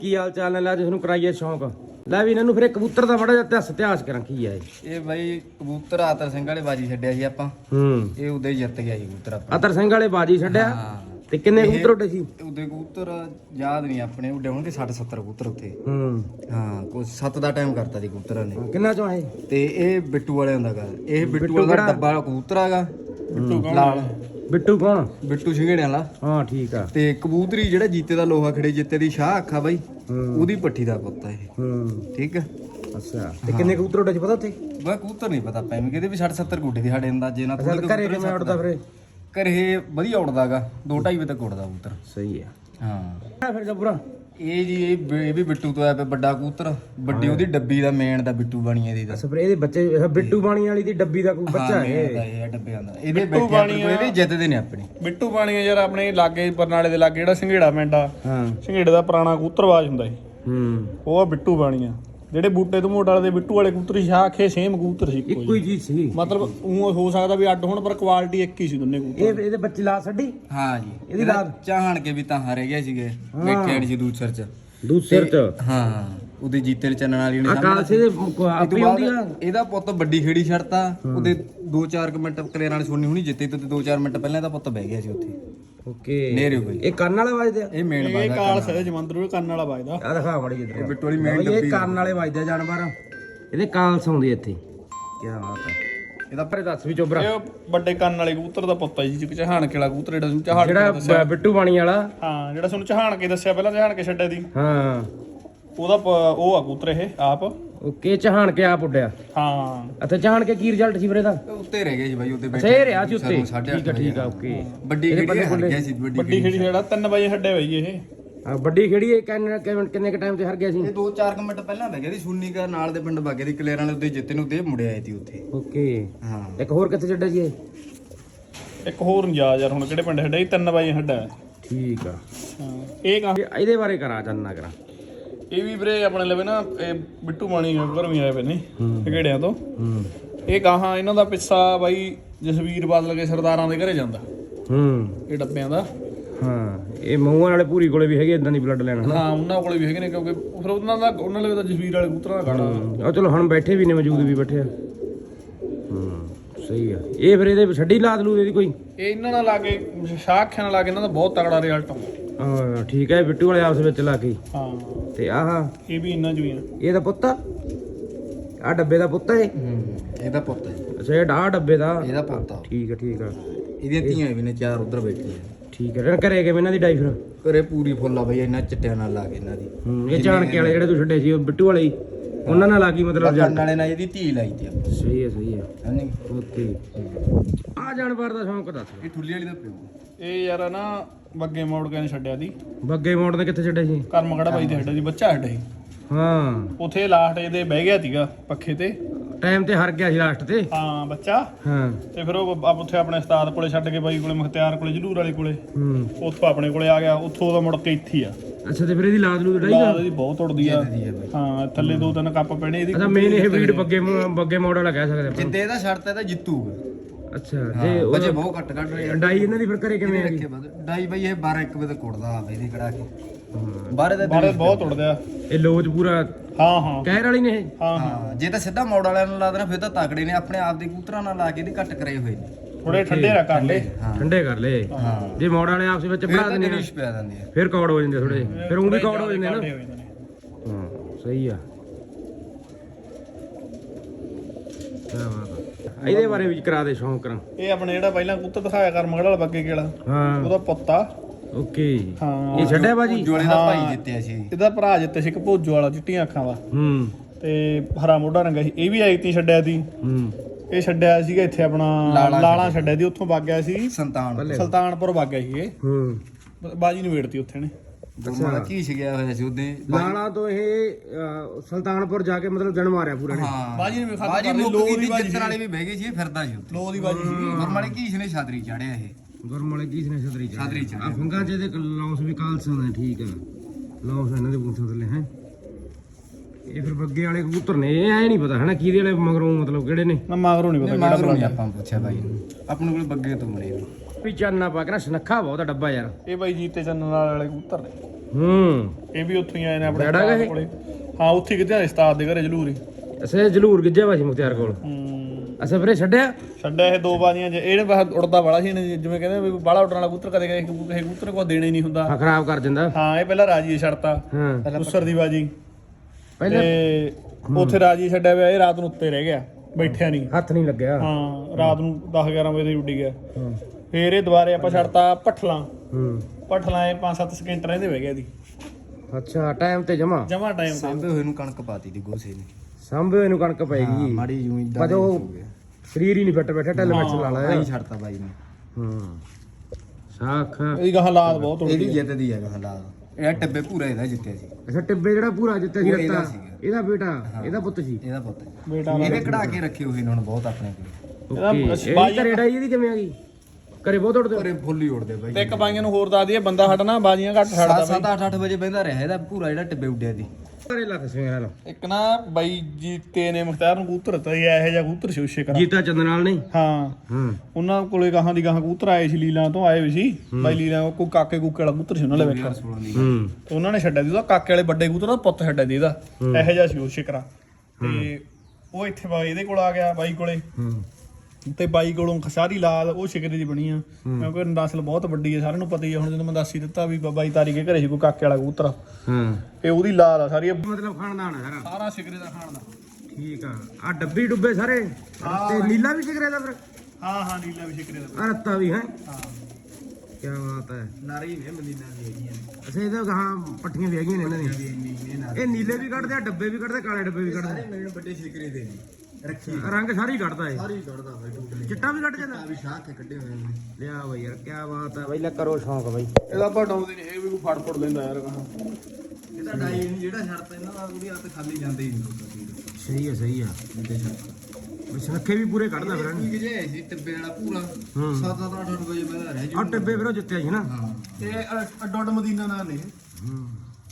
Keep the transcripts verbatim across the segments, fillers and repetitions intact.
ਕੀ ਹਾਲ ਚਾਲ ਨੇ? ਲੈ ਜਿਸ ਨੂੰ ਕਰਾਈਏ ਸ਼ੌਂਕ। ਲੈ ਵੀ ਇਹਨਾਂ ਨੂੰ ਫਿਰ ਕਬੂਤਰ ਦਾ ਬੜਾ ਜਿਹਾ ਇਤਿਹਾਸ ਇਤਿਹਾਸ ਕਰਾਂ ਕੀ ਹੈ ਇਹ ਬਾਈ ਕਬੂਤਰ ਆਤਰ ਸਿੰਘ ਵਾਲੇ ਬਾਜੀ ਛੱਡਿਆ ਸੀ ਆਪਾਂ। ਹੂੰ ਇਹ ਉਦੇ ਜਿੱਤ ਗਿਆ ਸੀ ਕਬੂਤਰ ਆਪਾਂ। ਆਤਰ ਸਿੰਘ ਵਾਲੇ ਬਾਜੀ ਛੱਡਿਆ ਤੇ ਕਿੰਨੇ ਕਬੂਤਰ ਉੱਡੇ ਸੀ? ਉਦੇ ਕਬੂਤਰ ਯਾਦ ਨਹੀਂ ਆਪਣੇ, ਉੱਡੇ ਹੋਣਗੇ ਸੱਠ ਸੱਤਰ ਕਬੂਤਰ ਉੱਥੇ। ਹੂੰ ਹਾਂ ਕੁਝ ਸੱਤ ਦਾ ਟਾਈਮ ਕਰਤਾ ਸੀ ਕਬੂਤਰਾਂ ਨੇ। ਕਿੰਨਾ ਚੋਂ ਆਏ? ਤੇ ਇਹ ਬਿੱਟੂ ਵਾਲਿਆਂ ਦਾ ਗਾ, ਇਹ ਬਿੱਟੂ ਵਾਲਾ ਡੱਬਾ ਵਾਲਾ ਕਬੂਤਰ ਆਗਾ। ਬਿੱਟੂ ਲਾਲ ਬਿੱਟੂ ਕੌਣ? ਬਿੱਟੂ ਸਿੰਘੜਿਆਂ ਵਾਲਾ। ਹਾਂ ਠੀਕ ਆ। ਤੇ ਕਬੂਤਰੀ ਜਿਹੜਾ ਜੀਤੇ ਦਾ ਲੋਹਾ ਖੜੇ ਜਿੱਤੇ ਦੀ ਸ਼ਾਹ ਅੱਖਾ ਬਾਈ, ਉਹਦੀ ਪੱਠੀ ਦਾ ਪੁੱਤ ਇਹ। ਹੂੰ ਠੀਕ ਆ। ਅੱਛਾ ਤੇ ਕਿੰਨੇ ਕਬੂਤਰ ਉੱਡੇ ਸੀ ਪਤਾ ਉੱਥੇ? ਬਾ ਕਬੂਤਰ ਨਹੀਂ ਪਤਾ ਪੈਵੇਂ ਕਿਤੇ ਵੀ ਸੱਠ ਸੱਤਰ ਗੁੱਡੇ ਦੀ ਸਾਡੇ ਅੰਦਾਜ਼ੇ ਨਾਲ। ਘਰੇ ਕਿਵੇਂ ਉੱਡਦਾ ਫਿਰ? ਘਰੇ ਵਧੀਆ ਉੱਡਦਾਗਾ, ਦੋ ਢਾਈ ਵਜੇ ਤੱਕ ਉੱਡਦਾ ਕਬੂਤਰ। ਸਹੀ ਆ। ਹਾਂ ਫਿਰ ਜਬਰਾ ਇਹ ਜੀ ਇਹ ਬ- ਇਹ ਵੀ ਬਿੱਟੂ ਤੋਂ ਆਇਆ ਪਿਆ ਵੱਡਾ ਕਬੂਤਰ। ਵੱਡੀ ਉਹਦੀ ਡੱਬੀ ਦਾ ਮੇਨ ਦਾ ਬਿੱਟੂ ਬਣੀਏ ਦੀ ਦਾ। ਸਪਰੇ ਇਹਦੇ ਬੱਚੇ ਬਿੱਟੂ ਬਾਣੀ ਵਾਲੀ ਦੀ ਡੱਬੀ ਦਾ ਕੋਈ ਬੱਚਾ ਹਾਂ ਹੈ ਮੇਨ ਦਾ ਇਹ ਆ ਡੱਬਿਆਂ ਦਾ। ਇਹਦੇ ਬੈਠੇ ਆਪਣੇ ਕੋਲ, ਇਹਦੇ ਜਿੱਤਦੇ ਨੇ ਆਪਣੇ। ਬਿੱਟੂ ਬਾਣੀਆ ਯਾਰ ਆਪਣੇ ਲਾਗੇ ਬਰਨਾਲੇ ਦੇ ਲਾਗੇ ਜਿਹੜਾ ਸੰਘੇੜਾ ਪਿੰਡ ਆ, ਹਾਂ ਸੰਘੇੜੇ ਦਾ ਪੁਰਾਣਾ ਕਬੂਤਰਵਾਜ ਹੁੰਦਾ ਸੀ, ਹੂੰ ਉਹ ਆ ਬਿੱਟੂ ਬਾਣੀਆ। ਜਿਹੜੇ ਬੂਟੇ ਤੋਂ ਮੋੜ ਵਾਲੇ ਦੇ ਬਿੱਟੂ ਵਾਲੇ ਕਬੂਤਰ ਸੀ, ਆਖੇ ਸੇਮ ਕਬੂਤਰ ਸੀ, ਇੱਕੋ ਇੱਕੋ ਹੀ ਚੀਜ਼ ਸੀ। ਮਤਲਬ ਉਹ ਹੋ ਸਕਦਾ ਵੀ ਅੱਡ ਹੋਣ ਪਰ ਕੁਆਲਿਟੀ ਇੱਕ ਹੀ ਸੀ ਦੋਨੇ ਕਬੂਤਰ। ਇਹ ਇਹਦੇ ਬੱਚੇ ਲਾ ਛੱਡੀ ਹਾਂ ਜੀ ਇਹਦੀ ਇਹਦਾ ਰਾਤ ਚਾਹਣ ਕੇ ਵੀ ਤਾਂ ਹਾਰੇ ਗਏ ਸੀਗੇ, ਬੈਠੇ ਨਹੀਂ ਸੀ ਦੂਸਰ ਚ। ਦੂਸਰ ਚ ਹਾਂ ਉਹਦੇ ਜੀਤੇ ਨੇ ਚੰਨਣ ਵਾਲੀ ਨੇ ਅਕਾਲ ਸੇ ਦੇ ਆਪਣੀ ਆਉਂਦੀ ਆ। ਇਹਦਾ ਪੁੱਤ ਵੱਡੀ ਖੇੜੀ ਛੱਡਤਾ। ਉਹਦੇ ਦੋ ਚਾਰ ਮਿੰਟ ਕਲੇਰਾਂ ਵਾਲੀ ਸੁਣਨੀ ਹੁਣੀ ਜਿੱਤੇ ਤੇ ਦੋ ਚਾਰ ਮਿੰਟ ਪਹਿਲਾਂ ਇਹਦਾ ਪੁੱਤ ਬਹਿ ਗਿਆ ਸੀ ਉੱਥੇ। ਓਕੇ ਨੇਰੇ ਹੋਈ ਇਹ ਕੰਨ ਵਾਲੇ ਵੱਜਦੇ ਆ? ਇਹ ਮੇਨ ਇਹ ਬਾਜ਼ਾ ਕਾਲ ਸਦੇ ਜਮੰਦਰੂ ਕੰਨ ਵਾਲਾ ਵੱਜਦਾ। ਆ ਦਿਖਾ ਮੜੀ ਜਿੱਧਰ ਇਹ ਬਿੱਟੂ ਵਾਲੀ ਮੇਨ ਇਹ ਡੱਬੀ ਕੰਨ ਵਾਲੇ ਵੱਜਦੇ ਜਾਨਵਰ। ਇਹਦੇ ਕਾਲਸ ਆਉਂਦੇ ਇੱਥੇ। ਕੀ ਬਾਤ ਹੈ। ਇਹਦਾ ਪਰੇ ਦੱਸ ਵੀ ਚੋਬਰਾ। ਇਹ ਵੱਡੇ ਕੰਨ ਵਾਲੇ ਕਬੂਤਰ ਦਾ ਪੁੱਤ ਆ ਜੀ, ਚਹਾਣ ਕੇ ਵਾਲਾ ਕਬੂਤਰ ਜਿਹੜਾ ਤੁਹਾਨੂੰ ਚਹਾਣ ਕੇ ਜਿਹੜਾ ਦੱਸਿਆ। ਬਿੱਟੂ ਬਾਣੀ ਵਾਲਾ। ਹਾਂ ਜਿਹੜਾ ਤੁਹਾਨੂੰ ਚਹਾਣ ਕੇ ਦੱਸਿਆ ਪਹਿਲਾਂ, ਚਹਾਣ ਕੇ ਛੱਡੇ ਦੀ, ਹਾਂ ਉਹਦਾ ਪ- ਉਹ ਆ ਕਬੂਤਰ ਇਹ ਆਪ। ਓਕੇ ਚਹਾਣ ਕੇ ਆਪ ਉੱਡਿਆ। ਹਾਂ ਅੱਛਾ ਚਹਾਣ ਕੇ ਕੀ ਰਿਜ਼ਲਟ ਸੀ ਵੀਰੇ ਦਾ? ਉੱਤੇ ਰਹਿ ਗਏ ਸੀ ਬਾਈ, ਉੱਤੇ ਅੱਛਾ ਇਹ ਰਿਹਾ ਸੀ ਉੱਤੇ। ਸਾਢੇ ਠੀਕ ਆ ਠੀਕ ਆ ਓਕੇ। ਵੱਡੀ ਖੇੜੀ ਹਾਰ ਗਿਆ ਸੀ। ਵੱਡੀ ਵੱਡੀ ਖੇੜੀ ਜਿਹੜਾ ਤਿੰਨ ਵਜੇ ਛੱਡੇ ਹੋਈ ਇਹ। ਆ ਵੱਡੀ ਖੇੜੀ ਇਹ ਕਿੰਨੇ ਕਿੰਨੇ ਕ ਟਾਈਮ ਤੇ ਹਾਰ ਗਿਆ ਸੀ? ਇਹ ਦੋ ਚਾਰ ਕੁ ਮਿੰਟ ਪਹਿਲਾਂ ਬਹਿ ਗਿਆ ਸੀ। ਸੁੰਨੀ ਕਾ ਨਾਲ ਦੇ ਪਿੰਡ ਬਾਗੇ ਦੀ ਕਲੇਰਾਂ ਨੇ ਉੱਤੇ ਜਿੱਤੇ ਨੂੰ ਉੱਤੇ ਮੁੜਿਆ ਆਏ ਸੀ ਉੱਥੇ। ਓਕੇ ਹਾਂ ਇੱਕ ਹੋਰ ਕਿੱਥੇ ਛੱਡਿਆ ਸੀ ਇਹ? ਇੱਕ ਹੋਰ ਨਹੀਂ ਜਾ ਯਾਰ ਹੁਣ ਕਿਹੜੇ ਪਿੰਡ ਛੱਡਿਆ ਸੀ, ਤਿੰਨ ਵਜੇ ਛੱਡਿਆ। ਠੀਕ ਆ। ਹਾਂ ਇਹ ਕਾ ਇਹਦੇ ਬਾਰੇ ਕਰਾ ਜਾਨਣਾ ਕਰਾਂ। ਇਹ ਵੀ ਵੀਰੇ ਆਪਣੇ ਲਵੇ ਨਾ ਇਹ ਬਿੱਟੂ ਮਾਣੀ ਘਰ ਵੀ ਆਏ ਪਏ ਨੇ ਘੇੜਿਆਂ ਤੋਂ। ਹੂੰ ਇਹ ਗਾਹਾਂ ਇਹਨਾਂ ਦਾ ਪਿੱਸਾ ਬਾਈ ਜਸਵੀਰ ਬਾਦਲ ਕੇ ਸਰਦਾਰਾਂ ਦੇ ਘਰੇ ਜਾਂਦਾ, ਹੂੰ ਇਹ ਡੱਬਿਆਂ ਦਾ। ਹਾਂ ਇਹ ਮੂੰਹਾਂ ਵਾਲੇ ਪੂਰੀ ਕੋਲੇ ਵੀ ਹੈਗੇ ਇਦਾਂ ਦੀ ਬਲੱਡ ਲੈਣ ਹਨਾ। ਹਾਂ ਉਹਨਾਂ ਕੋਲੇ ਵੀ ਹੈਗੇ ਨੇ, ਕਿਉਂਕਿ ਫਿਰ ਉਹਨਾਂ ਦਾ ਉਹਨਾਂ ਲਵੇ ਤਾਂ ਜਸਵੀਰ ਵਾਲੇ ਕਬੂਤਰਾਂ ਦਾ ਗਾੜਾ। ਆ ਚਲੋ ਹੁਣ ਬੈਠੇ ਵੀ ਨੇ, ਮੌਜੂਦ ਵੀ ਬੈਠੇ ਆ। ਹੂੰ ਸਹੀ ਆ। ਇਹ ਫਿਰ ਇਹਦੇ ਛੱਡੀ ਲਾਦ ਲੂ ਇਹਦੀ ਕੋਈ? ਇਹ ਇਹਨਾਂ ਨਾਲ ਲਾ ਕੇ ਸ਼ਾਖਿਆਂ ਨਾਲ ਲਾ ਕੇ ਇਹਨਾਂ ਦਾ ਬਹੁਤ ਤਗੜਾ ਰਿਜ਼ਲਟ ਆਉਂਦਾ। ਹਾਂ ਠੀਕ ਹੈ। ਬਿੱਟੂ ਵਾਲੇ ਆਪਸ ਵਿੱਚ ਲਾ ਕੇ। ਹਾਂ ਤੇ ਆਹ ਇਹ ਵੀ ਇਹਨਾਂ ਚ ਵੀ ਆ। ਇਹਦਾ ਪੁੱਤ ਆ? ਆਹ ਡੱਬੇ ਦਾ ਪੁੱਤ ਹੈ? ਇਹਦਾ ਪੁੱਤ ਹੈ। ਅੱਛਾ ਇਹ ਆਹ ਡੱਬੇ ਦਾ। ਇਹਦਾ ਪੁੱਤ ਆ। ਠੀਕ ਆ ਠੀਕ ਆ ਇਹਦੀਆਂ ਧੀਆਂ ਵੀ ਨੇ ਚਾਰ ਉਧਰ ਬੈਠੀਆਂ। ਠੀਕ ਹੈ। ਘਰੇ ਕਿਵੇਂ ਇਹਨਾਂ ਦੀ ਡਾਈ ਫਿਰ? ਘਰੇ ਪੂਰੀ ਫੁੱਲ ਆ ਬਈ, ਇਹਨਾਂ ਚਿੱਟਿਆਂ ਨਾਲ ਲਾ ਕੇ ਇਹਨਾਂ ਦੀ। ਹੂੰ ਇਹ ਚਾਣਕੇ ਵਾਲੇ ਜਿਹੜੇ ਤੂੰ ਛੱਡੇ ਸੀ ਉਹ ਬਿੱਟੂ ਵਾਲੇ ਹੀ, ਉਹਨਾਂ ਨਾਲ ਲਾ ਕੇ ਮਤਲਬ ਕੰਨ ਵਾਲੇ ਨਾਲ ਇਹਦੀ ਧੀ ਲਾਈ ਤੇ ਆਪਾਂ। ਸਹੀ ਹੈ ਸਹੀ ਹੈ ਹਾਂਜੀ ਓਕੇ। ਆ ਜਾਨਵਰ ਦਾ ਸ਼ੌਂਕ ਦੱਸ। ਇਹ ਠੁੱਲੀ ਵਾਲੀ ਦਾ ਪਿਓ। ਇਹ ਯਾਰ ਨਾ ਬੱਗੇ ਮੋੜ ਕੇ ਛੱਡਿਆ ਦੀ, ਬੱਗੇ ਮੋੜ ਨੇ ਕਿੱਥੇ ਛੱਡੇ ਸੀ? ਕਰਮਗੜਾ ਬਾਈ ਤੇ ਛੱਡਿਆ ਸੀ, ਬੱਚਾ ਛੱਡਿਆ ਸੀ ਹਾਂ ਉਥੇ ਲਾਸਟ ਇਹਦੇ ਬਹਿ ਗਿਆ ਸੀਗਾ ਪੱਖੇ ਤੇ। ਟਾਈਮ ਤੇ ਹਾਰ ਗਿਆ ਸੀ ਲਾਸਟ ਤੇ। ਹਾਂ ਬੱਚਾ। ਹਾਂ ਤੇ ਫਿਰ ਉਹ ਆਪ ਉੱਥੇ ਆਪਣੇ ਉਸਤਾਦ ਕੋਲੇ ਛੱਡ ਕੇ ਬਾਈ ਕੋਲੇ, ਮੁਖਤਿਆਰ ਕੋਲੇ, ਜਲੂਰ ਵਾਲੇ ਕੋਲੇ, ਹੂੰ ਉੱਥੋਂ ਆਪਣੇ ਕੋਲੇ ਆ ਗਿਆ। ਉੱਥੋਂ ਦਾ ਮੁੜ ਕੇ ਇੱਥੇ ਹੀ ਆ। ਅੱਛਾ ਤੇ ਫਿਰ ਇਹਦੀ ਲਾਦ ਲੂ ਡਾਈ ਲਾਦ ਇਹਦੀ ਬਹੁਤ ਉੜਦੀ ਆ। ਹਾਂ ਥੱਲੇ ਦੋ ਤਿੰਨ ਕੱਪ ਪੈਣੇ ਇਹਦੀ। ਅੱਛਾ ਮੇਨ ਇਹ ਵੀਡ ਬੱਗੇ ਮੋ- ਬੱਗੇ ਮੋੜ ਵਾਲਾ ਕਹਿ ਸਕਦੇ ਆਪਾਂ। ਜਿੱਦੇ ਇਹਦਾ ਸ਼ਰਤ ਹੈ ਤਾਂ ਜਿੱਤੂਗਾ। ਅੱਛਾ ਤੇ ਬੱਚੇ ਬਹੁਤ ਘੱਟ ਕੱਢ ਰਹੇ ਆ। ਡਾਈ ਇਹਨਾਂ ਦੀ ਫਿਰ ਘਰੇ ਕਿਵੇਂ ਹੈਗੀ? ਰੱਖੇ ਬਦ ਡਾਈ ਬਈ ਇਹ ਬਾਰਾਂ ਇੱਕ ਵਜੇ ਤੱਕ ਕੁੜਦਾ ਆ ਇਹਦੀ ਕਢਾ ਕੇ। ਬਾਹਰ ਦਾ ਬਾਰੇ ਬਹੁਤ ਉੜਦੇ ਆ। ਇਹ ਲੋਚ ਪੂਰਾ ਹਾਂ ਹਾਂ ਕਹਿਰ ਵਾਲੀ ਨੇ ਇਹ? ਹਾਂ ਹਾਂ ਹਾਂ ਜੇ ਤਾਂ ਸਿੱਧਾ ਮੋੜ ਵਾਲਿਆਂ ਨੂੰ ਲਾ ਦੇਣਾ ਫਿਰ ਤਾਂ ਤਕੜੇ ਨੇ। ਆਪਣੇ ਆਪ ਦੇ ਕਬੂਤਰਾਂ ਨਾਲ ਲਾ ਕੇ ਇਹਦੀ ਘੱਟ ਕਰਾਏ ਹੋਏ ਨੇ। ਥੋੜੇ ਠੰਡੇ ਰਾ ਕਰ ਲੈ। ਹਾਂ ਠੰਡੇ ਕਰ ਲੈ। ਹਾਂ ਜੇ ਮੋੜ ਵਾਲੇ ਆਪਸ ਵਿੱਚ ਫਿਰ ਬਣਾ ਤਾਂ ਦਿੰਦੇ ਨੇ ਨਿਸ਼ ਪਿਆ ਜਾਂਦੀ ਹੈ। ਫਿਰ ਕੌੜ ਹੋ ਜਾਂਦੇ ਥੋੜੇ, ਫਿਰ ਉਹ ਵੀ ਕੌੜ ਹੋ ਜਾਂਦੇ ਨਾ। ਨੇ ਹਾਂ ਸਹੀ ਆ। ਕਿਆ ਬਾਤ ਆ। ਇਹਦੇ ਬਾਰੇ ਵੀ ਕਰਾ ਦੇ ਸ਼ੌਂਕ ਕਰਾਂ। ਇਹ ਆਪਣੇ ਜਿਹੜਾ ਪਹਿਲਾਂ ਕਬੂਤਰ ਦਿਖਾਇਆ ਕਰਮਗੜਾ ਵਾਲਾ ਬੱਗੇ ਕਿਹੜਾ, ਹਾਂ ਉਹਦਾ ਪੁੱਤਾ। ਓਕੇ ਹਾਂ ਇਹ ਛੱਡਿਆ ਬਾਜੀ? ਜੋੜੇ ਦਾ ਭਾਈ ਜਿੱਤਿਆ ਸੀ। ਇਹਦਾ ਭਰਾ ਜਿੱਤੇ ਸੀ ਇੱਕ ਭੋਜੋ ਵਾਲਾ ਚਿੱਟੀਆਂ ਅੱਖਾਂ ਦਾ, ਹੂੰ ਤੇ ਹਰਾ ਮੋਢਾ ਰੰਗਾ ਸੀ। ਇਹ ਵੀ ਆਈ ਤੀ ਛੱਡਿਆ ਤੀ। ਹੂੰ ਇਹ ਛੱਡਿਆ ਸੀਗਾ ਇੱਥੇ ਆਪਣਾ ਲਾਲਾ ਛੱਡਿਆ ਸੀ, ਉੱਥੋਂ ਵਗ ਗਿਆ ਸੀ ਸੰਤਾਨ ਸੁਲਤਾਨਪੁਰ ਵਗ ਗਿਆ ਸੀ ਇਹ। ਹੂੰ ਬਾਜੀ ਨੂੰ ਵੇੜਤੀ ਉੱਥੇ ਨੇ। ਗੁਰਮਾ ਕੀ ਗਿਆ ਹੋਇਆ ਸੀ ਉਹਦੇ। ਲਾਲਾ ਤੋਂ ਇਹ ਅਹ, ਸੁਲਤਾਨਪੁਰ ਜਾ ਕੇ ਮਤਲਬ ਜਨਮ ਮਾਰਿਆ ਪੂਰਾ ਨੇ। ਹਾਂ ਬਾਜੀ ਨੇ ਖਤਮ ਬਾਜੀ ਕਰ ਲਈ, ਮੁੱਕ ਲੋਹ ਗਈ ਦੀ ਸੀ। ਬਾਜੀ ਜਿੱਤਣ ਵਾਲੇ ਵੀ ਬਹਿ ਗਏ ਸੀ। ਇਹ ਫਿਰਦਾ ਸੀ ਉੱਥੇ। ਲੋਹ ਦੀ ਬਾਜੀ ਸੀ। ਗੁਰਮਾ ਨੇ ਕੀ ਨੇ ਛਾਦਰੀ ਚਾੜਿਆ ਇਹ। ਗੁਰਮਲੇ ਕੀ ਨੇ ਛਤਰੀ ਚ ਛਤਰੀ ਚ। ਆ ਫੰਗਾ ਜਿਹਦੇ ਲੌਂਸ ਵੀ ਕਾਲਸ ਨੇ। ਠੀਕ ਆ ਲੌਂਸ ਇਹਨਾਂ ਦੇ ਪੁੱਛੋ ਥੱਲੇ ਹੈ। ਇਹ ਫਿਰ ਬੱਗੇ ਵਾਲੇ ਕਬੂਤਰ ਨੇ। ਇਹ ਐ ਨਹੀਂ ਪਤਾ ਹਨਾ ਕਿਹਦੇ ਵਾਲੇ ਮਗਰੋਂ ਮਤਲਬ ਕਿਹੜੇ ਨੇ। ਨਾ ਮਗਰੋਂ ਨਹੀਂ ਪਤਾ ਕਿਹੜਾ ਮਗਰੋਂ ਨਹੀਂ ਬਣਾ। ਆਪਾਂ ਪੁੱਛਿਆ ਬਾਈ ਨੂੰ। ਆਪਣੇ ਕੋਲ ਬੱਗੇ ਤੋਂ ਮਰੇ ਵੀ ਚੰਨਾ ਪਾ ਕੇ ਨਾ ਸੁਨੱਖਾ ਬਹੁਤ ਆ ਡੱਬਾ ਯਾਰ। ਇਹ ਬਾਈ ਜੀਤੇ ਚੰਨ ਵਾਲੇ ਕਬੂਤਰ ਨੇ। ਹੂੰ ਇਹ ਵੀ ਉੱਥੋਂ ਹੀ ਆਏ ਨੇ ਆਪਣੇ ਬੈੜਾ ਗਾ ਇਹ? ਉਸਤਾਦ ਕੋਲੇ। ਹਾਂ ਉੱਥੇ ਕਿਤੇ ਆ ਉਸਤਾਦ ਦੇ ਘਰੇ ਜਲੂਰੀ। ਅਸੇ ਜਲੂਰ ਗਿੱਜਿਆ ਵਾ ਸੀ ਮੁਖਤਿਆਰ ਕੋਲ। ਹੂੰ ਅਸੇ ਵੀਰੇ ਛੱਡਿਆ ਛੱਡਿਆ ਇਹ ਦੋ ਬਾਜ਼ੀਆਂ ਜੇ ਇਹਨੇ ਬਾਹਰ ਉੜਦਾ ਵਾਲਾ ਸੀ ਇਹਨੇ, ਜਿਵੇਂ ਕਹਿੰਦੇ ਵੀ ਬਾਹਲਾ ਉੱਡਣ ਵਾਲਾ ਕਬੂਤਰ ਕਦੇ ਕਦੇ ਕਿਸੇ ਕਬੂਤਰ ਕੋ ਦੇਣਾ ਹੀ ਨਹੀਂ ਹੁੰਦਾ। ਹਾਂ ਖਰਾਬ ਕਰ ਦਿੰਦਾ। ਹਾਂ ਇਹ ਪਹਿਲਾਂ ਰਾਜੀ ਛੱਡਤਾ ਹਾਂ ਉਸਰ ਦੀ ਬਾਜੀ ਪਹਿਲਾਂ ਤੇ ਉੱਥੇ ਰਾਜੀ ਛੱਡਿਆ ਹੋਇਆ, ਇਹ ਰਾਤ ਨੂੰ ਉੱਤੇ ਰਹਿ ਗਿਆ ਬੈਠਿਆ ਨਹੀਂ। ਹੱਥ ਨਹੀਂ ਲੱਗਿਆ। ਹਾਂ ਰਾਤ ਨੂੰ ਦਸ ਗਿਆਰਾਂ ਵਜੇ ਉੱਡੀ ਗਿਆ। ਹਾਂ ਫੇਰ ਇਹ ਦੁਬਾਰੇ ਆਪਾਂ ਛੱਡਤਾ ਪੱਠਲਾਂ। ਹੂੰ ਪੱਠਲਾਂ ਇਹ ਪੰਜ ਸੱਤ ਸਕਿੰਟ ਰਹਿੰਦੇ ਬਹਿ ਗਿਆ ਦੀ ਅੱਛਾ ਟਾਈਮ ਤੇ ਜਮਾ ਜਮਾ ਟਾਈਮ ਤੇ। ਸਾਂਭੇ ਹੋਏ ਨੂੰ ਕਣਕ ਪਾਤੀ ਦੀ ਗੋਸੇ ਨੇ। ਸਾਂਭੇ ਇਹਨੂੰ ਕਣਕ ਪਏਗੀ। ਮਾੜੀ ਜੂੰ ਇਦਾਂ ਪਰ ਉਹ ਸਰੀਰ ਹੀ ਨਹੀਂ ਫਿੱਟ ਬੈਠਾ ਟੈਲ ਮੈਚ ਲਾ ਲਾਇਆ। ਆਈ ਛੱਡਤਾ ਬਾਈ ਨੇ। ਹੂੰ ਸਾਖ ਇਹਦੀ ਗਾਹ ਹਾਲਾਤ ਬਹੁਤ ਇਹਦੀ ਉੱਡੀ ਜਿੱਤ ਦੀ ਹੈਗਾ ਹਾਲਾਤ। ਇਹ ਟੱਬੇ ਪੂਰਾ ਇਹਦਾ ਜਿੱਤਿਆ ਸੀ। ਅੱਛਾ ਟਿੱਬੇ ਜਿਹੜਾ ਪੂਰਾ ਜਿੱਤਿਆ ਸੀ ਉਹ ਇਹਦਾ ਰੱਤਾ ਸੀਗਾ। ਇਹਦਾ ਬੇਟਾ ਇਹਦਾ ਪੁੱਤ ਸੀ। ਇਹਦਾ ਪੁੱਤ ਬੇਟਾ ਇਹਨੇ ਕਢਾ ਕੇ ਰੱਖੇ ਹੋਏ ਨੇ ਹੁਣ ਬਹੁਤ ਆਪਣੇ ਕੋਲ। ਓਕੇ ਇਹ ਤਾਂ ਰੇੜਾ ਇਹਦੀ ਕਿਵੇਂ ਆ ਗਈ ਘਰੇ ਬਹੁਤ ਉੱਡਦੇ। ਘਰੇ ਫੁੱਲ ਹੀ ਉੜਦੇ ਬਾਈ। ਤੇ ਇੱਕ ਬਾਈਆਂ ਨੂੰ ਹੋਰ ਦੱਸ ਦਈਏ, ਬੰਦਾ ਸਾਡਾ ਨਾ ਬਾਜ਼ੀਆਂ ਘੱਟ ਛੱਡਦਾ ਸੱਤ ਅੱਠ ਅੱਠ ਵਜੇ ਬਹਿੰਦਾ ਰਿਹਾ ਇਹਦਾ ਪੂਰਾ ਜਿਹੜਾ ਟੱਬੇ ਉੱਡਿਆ ਦੀ। ਘਰੇ ਲੱਤ ਸਵੇਰਾ ਲੋ ਇੱਕ ਨਾ ਬਾਈ ਜੀਤੇ ਨੇ ਮੁਖਤਾਰ ਨੂੰ ਕਬੂਤਰ ਦਿੱਤਾ ਸੀ, ਇਹੋ ਜਿਹਾ ਕਬੂਤਰ ਸੀ ਉਸੇ ਕਰਾ। ਜੀਤਾ ਚੰਦ ਨਾਲ ਨਹੀਂ। ਹਾਂ ਹਾਂ ਉਹਨਾਂ ਕੋਲੇ ਗਾਹਾਂ ਦੀ ਗਾਹਾਂ ਕਬੂਤਰ ਆਏ ਸੀ, ਲੀਲਾਂ ਤੋਂ ਆਏ ਹੋਏ ਸੀ ਬਾਈ। ਲੀਲਾਂ ਕੋਈ ਕਾਕੇ ਕੂਕੇ ਵਾਲਾ ਕਬੂਤਰ ਸੀ ਉਹਨਾਂ ਦੇ ਵਿੱਚ, ਹੂੰ ਤੇ ਉਹਨਾਂ ਨੇ ਛੱਡਿਆ ਦੀ ਉਹਦਾ ਕਾਕੇ ਵਾਲੇ ਵੱਡੇ ਕਬੂਤਰ ਦਾ ਪੁੱਤ ਛੱਡਿਆ ਦੀ ਇਹਦਾ, ਇਹੋ ਜਿਹਾ ਸੀ ਉਹ ਸ਼ਿਕਰਾ। ਤੇ ਉਹ ਇੱਥੇ ਬਾਈ ਇਹਦੇ ਕੋਲ ਆ ਗਿਆ ਬਾਈ ਕੋਲੇ, ਹੂੰ ਤੇ ਬਾਈ ਕੋਲੋਂ ਸਾਰੀ ਲਾਲ ਉਹ ਸ਼ਿਕਰੇ ਦੀ ਬਣੀ ਆ, ਕਿਉਂਕਿ ਨਸਲ ਬਹੁਤ ਵੱਡੀ ਹੈ, ਸਾਰਿਆਂ ਨੂੰ ਪਤਾ ਹੀ ਆ। ਹੁਣ ਜਦੋਂ ਮੈਂ ਦੱਸ ਹੀ ਦਿੱਤਾ ਵੀ ਬਾਈ ਤਾਰੀ ਕੇ ਘਰੇ ਸੀ ਕੋਈ ਕਾਕੇ ਵਾਲਾ ਕਬੂਤਰ, ਹਾਂ ਤੇ ਉਹਦੀ ਲਾਲ ਆ ਸਾਰੀ, ਮਤਲਬ ਖਾਨਦਾਨ ਹੈ ਸਾਰਾ। ਸਾਰਾ ਸ਼ਿਕਰੇ ਦਾ ਖਾਣ ਦਾ। ਠੀਕ ਆ ਆ ਡੱਬੀ ਡੁੱਬੇ ਸਾਰੇ ਤੇ ਨੀਲਾ ਵੀ ਜਿਗਰੇ ਦਾ ਫਿਰ। ਹਾਂ ਹਾਂ ਨੀਲਾ ਵੀ ਸ਼ਿਕਰੇ ਦਾ। ਆ ਰੱਤਾ ਵੀ ਹੈ। ਹਾਂ ਕੀ ਬਾਤ ਹੈ। ਨਾਰੀ ਨੇ ਮਦੀਨਾ ਦੀ ਹੈਗੀਆਂ ਅੱਛਾ ਇਹਦਾ ਗਾਹਾਂ ਪੱਠੀਆਂ ਵੀ ਹੈਗੀਆਂ ਨੇ ਇਹਨਾਂ ਦੀਆਂ। ਇਹ ਨੀਲੇ ਵੀ ਕੱਢਦੇ ਆ ਡੱਬੇ ਵੀ ਕੱਢਦੇ ਕਾਲੇ ਡੱਬੇ ਵੀ ਕੱਢਦੇ। ਮੈਨੂੰ ਵੱਡੇ ਸ਼ਿਕਰੇ ਦੇ ਨੇ ਰੱਖੀ ਰੰਗ ਸਾਰੀ ਕੱਢਦਾ ਇਹ। ਸਾਰੀ ਕੱਢਦਾ ਬਾਈ ਟੁੱਟਲੇ ਚਿੱਟਾ ਵੀ ਕੱਢ ਜਾਂਦਾ। ਵੀ ਸ਼ਾਹ ਕੇ ਕੱਢੇ ਹੋਏ ਨੇ। ਲਿਆ ਬਈ ਯਾਰ ਕੀ ਬਾਤ ਹੈ ਬਈ। ਲੈ ਕਰੋ ਸ਼ੌਂਕ ਬਈ। ਇਹਦਾ ਪਟਾਉਂਦੇ ਨੇ, ਇਹ ਵੀ ਕੋਈ ਫੜ ਫੜ ਲੈਂਦਾ ਯਾਰ ਕਹਾਂ। ਇਹ ਤਾਂ ਡਾਈ ਨਹੀਂ ਜਿਹੜਾ ਛੱਡਤਾ ਇਹਨਾਂ ਦਾ ਉਹਦੀ ਹੱਥ ਖਾਲੀ ਜਾਂਦੇ ਹੀ ਨਹੀਂ। ਸਹੀ ਹੈ ਸਹੀ ਆ। ਜਿੱਤੇ ਛੱਡਤਾ ਬਈ ਸੁਨੱਖੇ ਵੀ ਪੂਰੇ ਕੱਢਦਾ ਫਿਰ। ਕੋਈ ਜੇ ਸੀ ਟੱਬੇ ਵਾਲਾ ਪੂਰਾ ਹੂੰ ਸੱਤ ਸੱਤ ਅੱਠ ਅੱਠ ਵਜੇ ਬਹਿਦਾ ਰਿਹਾ ਜੀ। ਆ ਟੱਬੇ ਫਿਰ ਉਹ ਜਿੱਤਿਆ ਸੀ ਨਾ। ਹਾਂ ਤੇ ਅੱਡੋ ਅੱਡ ਮਦੀਨਾ ਨਾਲ ਨੇ। ਹੂੰ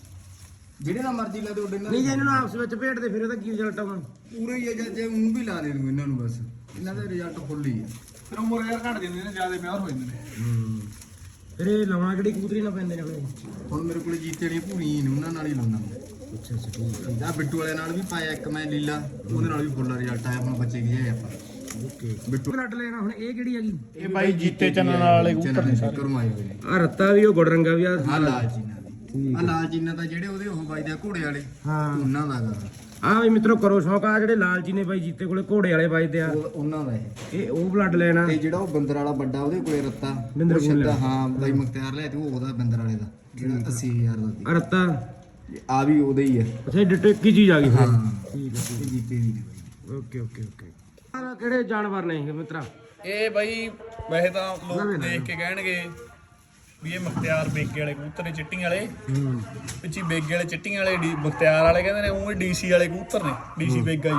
ਜਿਹੜੇ ਨਾਲ ਮਰਜ਼ੀ ਲਾ ਦੇ ਉੱਡੇ ਨਾਲ ਨਹੀਂ ਜੇ ਇਹਨਾਂ ਨੂੰ ਆਪਸ ਵਿੱਚ ਭੇਟਦੇ ਫਿਰ ਇਹਦਾ ਕੀ ਰਿਜ਼ਲਟ ਆਉਣਾ। ਪੂਰੇ ਹੀ ਆ ਜਾਂ ਜੇ ਉਹਨੂੰ ਵੀ ਲਾ ਦੇ ਦੂੰ ਇਹਨਾਂ ਨੂੰ ਬਸ। ਇਹਨਾਂ ਦਾ ਰਿਜ਼ਲਟ ਫੁੱਲ ਹੀ ਆ। ਫਿਰ ਉਮਰ ਯਾਰ ਘਟ ਜਾਂਦੇ ਨੇ, ਜਿਆਦਾ ਪਿਆਰ ਹੋ ਜਾਂਦੇ ਨੇ। ਹੂੰ ਫਿਰ ਇਹ ਲਾਉਣਾ ਕਿਹੜੀ ਕਬੂਤਰੀ ਨਾਲ ਪੈਂਦੇ ਨੇ ਆਪਣੇ। ਹੁਣ ਮੇਰੇ ਕੋਲੇ ਜੀਤੇ ਵਾਲੀਆਂ ਭੂਰੀਆਂ ਨੇ, ਉਹਨਾਂ ਨਾਲ ਹੀ ਲਾਉਣਾ ਮੈਂ। ਅੱਛਾ ਅੱਛਾ ਠੀਕ ਆ ਬਿੱਟੂ ਵਾਲੇ ਨਾਲ ਵੀ ਪਾਇਆ ਇੱਕ ਮੈਂ ਲੀਲਾ, ਉਹਦੇ ਨਾਲ ਵੀ ਫੁੱਲ ਰਿਜ਼ਲਟ ਆਇਆ। ਹੁਣ ਬੱਚੇ ਗਏ ਆਪਾਂ ਹੈ ਓਕੇ। ਬਿੱਟੂ ਬਲੱਡ ਲੈਣਾ ਹੁਣ ਇਹ ਕਿਹੜੀ ਹੈਗੀ। ਇਹ ਬਾਈ ਜੀਤੇ ਚੰਨਣ ਵਾਲੇ ਕਬੂਤਰ ਨੇ ਸਾਰੇ। ਕਰਮ ਆਏ ਹੋਏ ਨੇ। ਆ ਰੱਤਾ ਵੀ ਉਹ ਗੁੜ ਰੰਗਾ ਵੀ ਆ। ਆ ਲਾਲ ਚੀਨਾ ਦੀ। ਆ ਲਾਲ ਚੀਨਾ ਤਾਂ ਜਿਹੜੇ ਉਹਦੇ ਉਹ ਬਾਈ ਦੇ ਘੋੜੇ ਵਾਲੇ ਹਾਂ ਉਹਨਾਂ ਦਾ ਗਾ। ਆ ਵੀ ਮਿੱਤਰੋ ਕਰੋ ਸ਼ੌਂਕ। ਆ ਜਿਹੜੇ ਲਾਲ ਜੀ ਨੇ ਬਾਈ ਜੀਤੇ ਕੋਲੇ ਘੋੜੇ ਵਾਲੇ ਵੱਜਦੇ ਆ, ਉਹ ਉਹਨਾਂ ਦਾ ਇਹ। ਇਹ ਉਹ ਬਲੱਡ ਲੈਣਾ। ਤੇ ਜਿਹੜਾ ਉਹ ਬੰਦਰ ਵਾਲਾ ਵੱਡਾ ਉਹਦੇ ਕੋਲੇ ਰੱਤਾ ਬਿੰਦਰ ਉਹ ਕੋਲ ਛੱਡਾ। ਹਾਂ ਬਾਈ ਮੁਖਤਿਆਰ ਲਿਆ ਤੇ ਉਹ ਉਹਦਾ ਬੰਦਰ ਵਾਲੇ ਦਾ ਜਿਹੜਾ ਅੱਸੀ ਹਜ਼ਾਰ ਦਾ ਆ ਰੱਤਾ ਸੀ। ਆ ਵੀ ਉਹਦਾ ਹੀ ਆ। ਅੱਛਾ ਡਿਟੇ ਕੀ ਚੀਜ਼ ਆ ਗਈ ਫਿਰ। ਹਾਂ ਠੀਕ ਹੈ ਇਹ ਜੀਤੇ ਦੀ ਨੇ ਬਾਈ। Okay okay okay. ਆ ਕਿਹੜੇ ਜਾਨਵਰ ਨੇ ਇਹ ਮਿੱਤਰਾ। ਇਹ ਬਾਈ ਵੈਸੇ ਤਾਂ ਲੋਕ ਦੇਖ ਕੇ ਕਹਿਣਗੇ ਵੀ ਇਹ ਮੁਖਤਿਆਰ ਬੇਗੇ ਵਾਲੇ ਕਬੂਤਰ ਨੇ, ਚਿੱਟੀਆਂ ਵਾਲੇ। ਹੂੰ ਪਿੱਛੇ ਬੇਗੇ ਵਾਲੇ ਚਿੱਟੀਆਂ ਵਾਲੇ, ਡੀ ਮੁਖਤਿਆਰ ਵਾਲੇ ਕਹਿੰਦੇ ਨੇ, ਉਹ ਡੀਸੀ ਵਾਲੇ ਕਬੂਤਰ ਨੇ। ਡੀਸੀ ਬੇਗਾ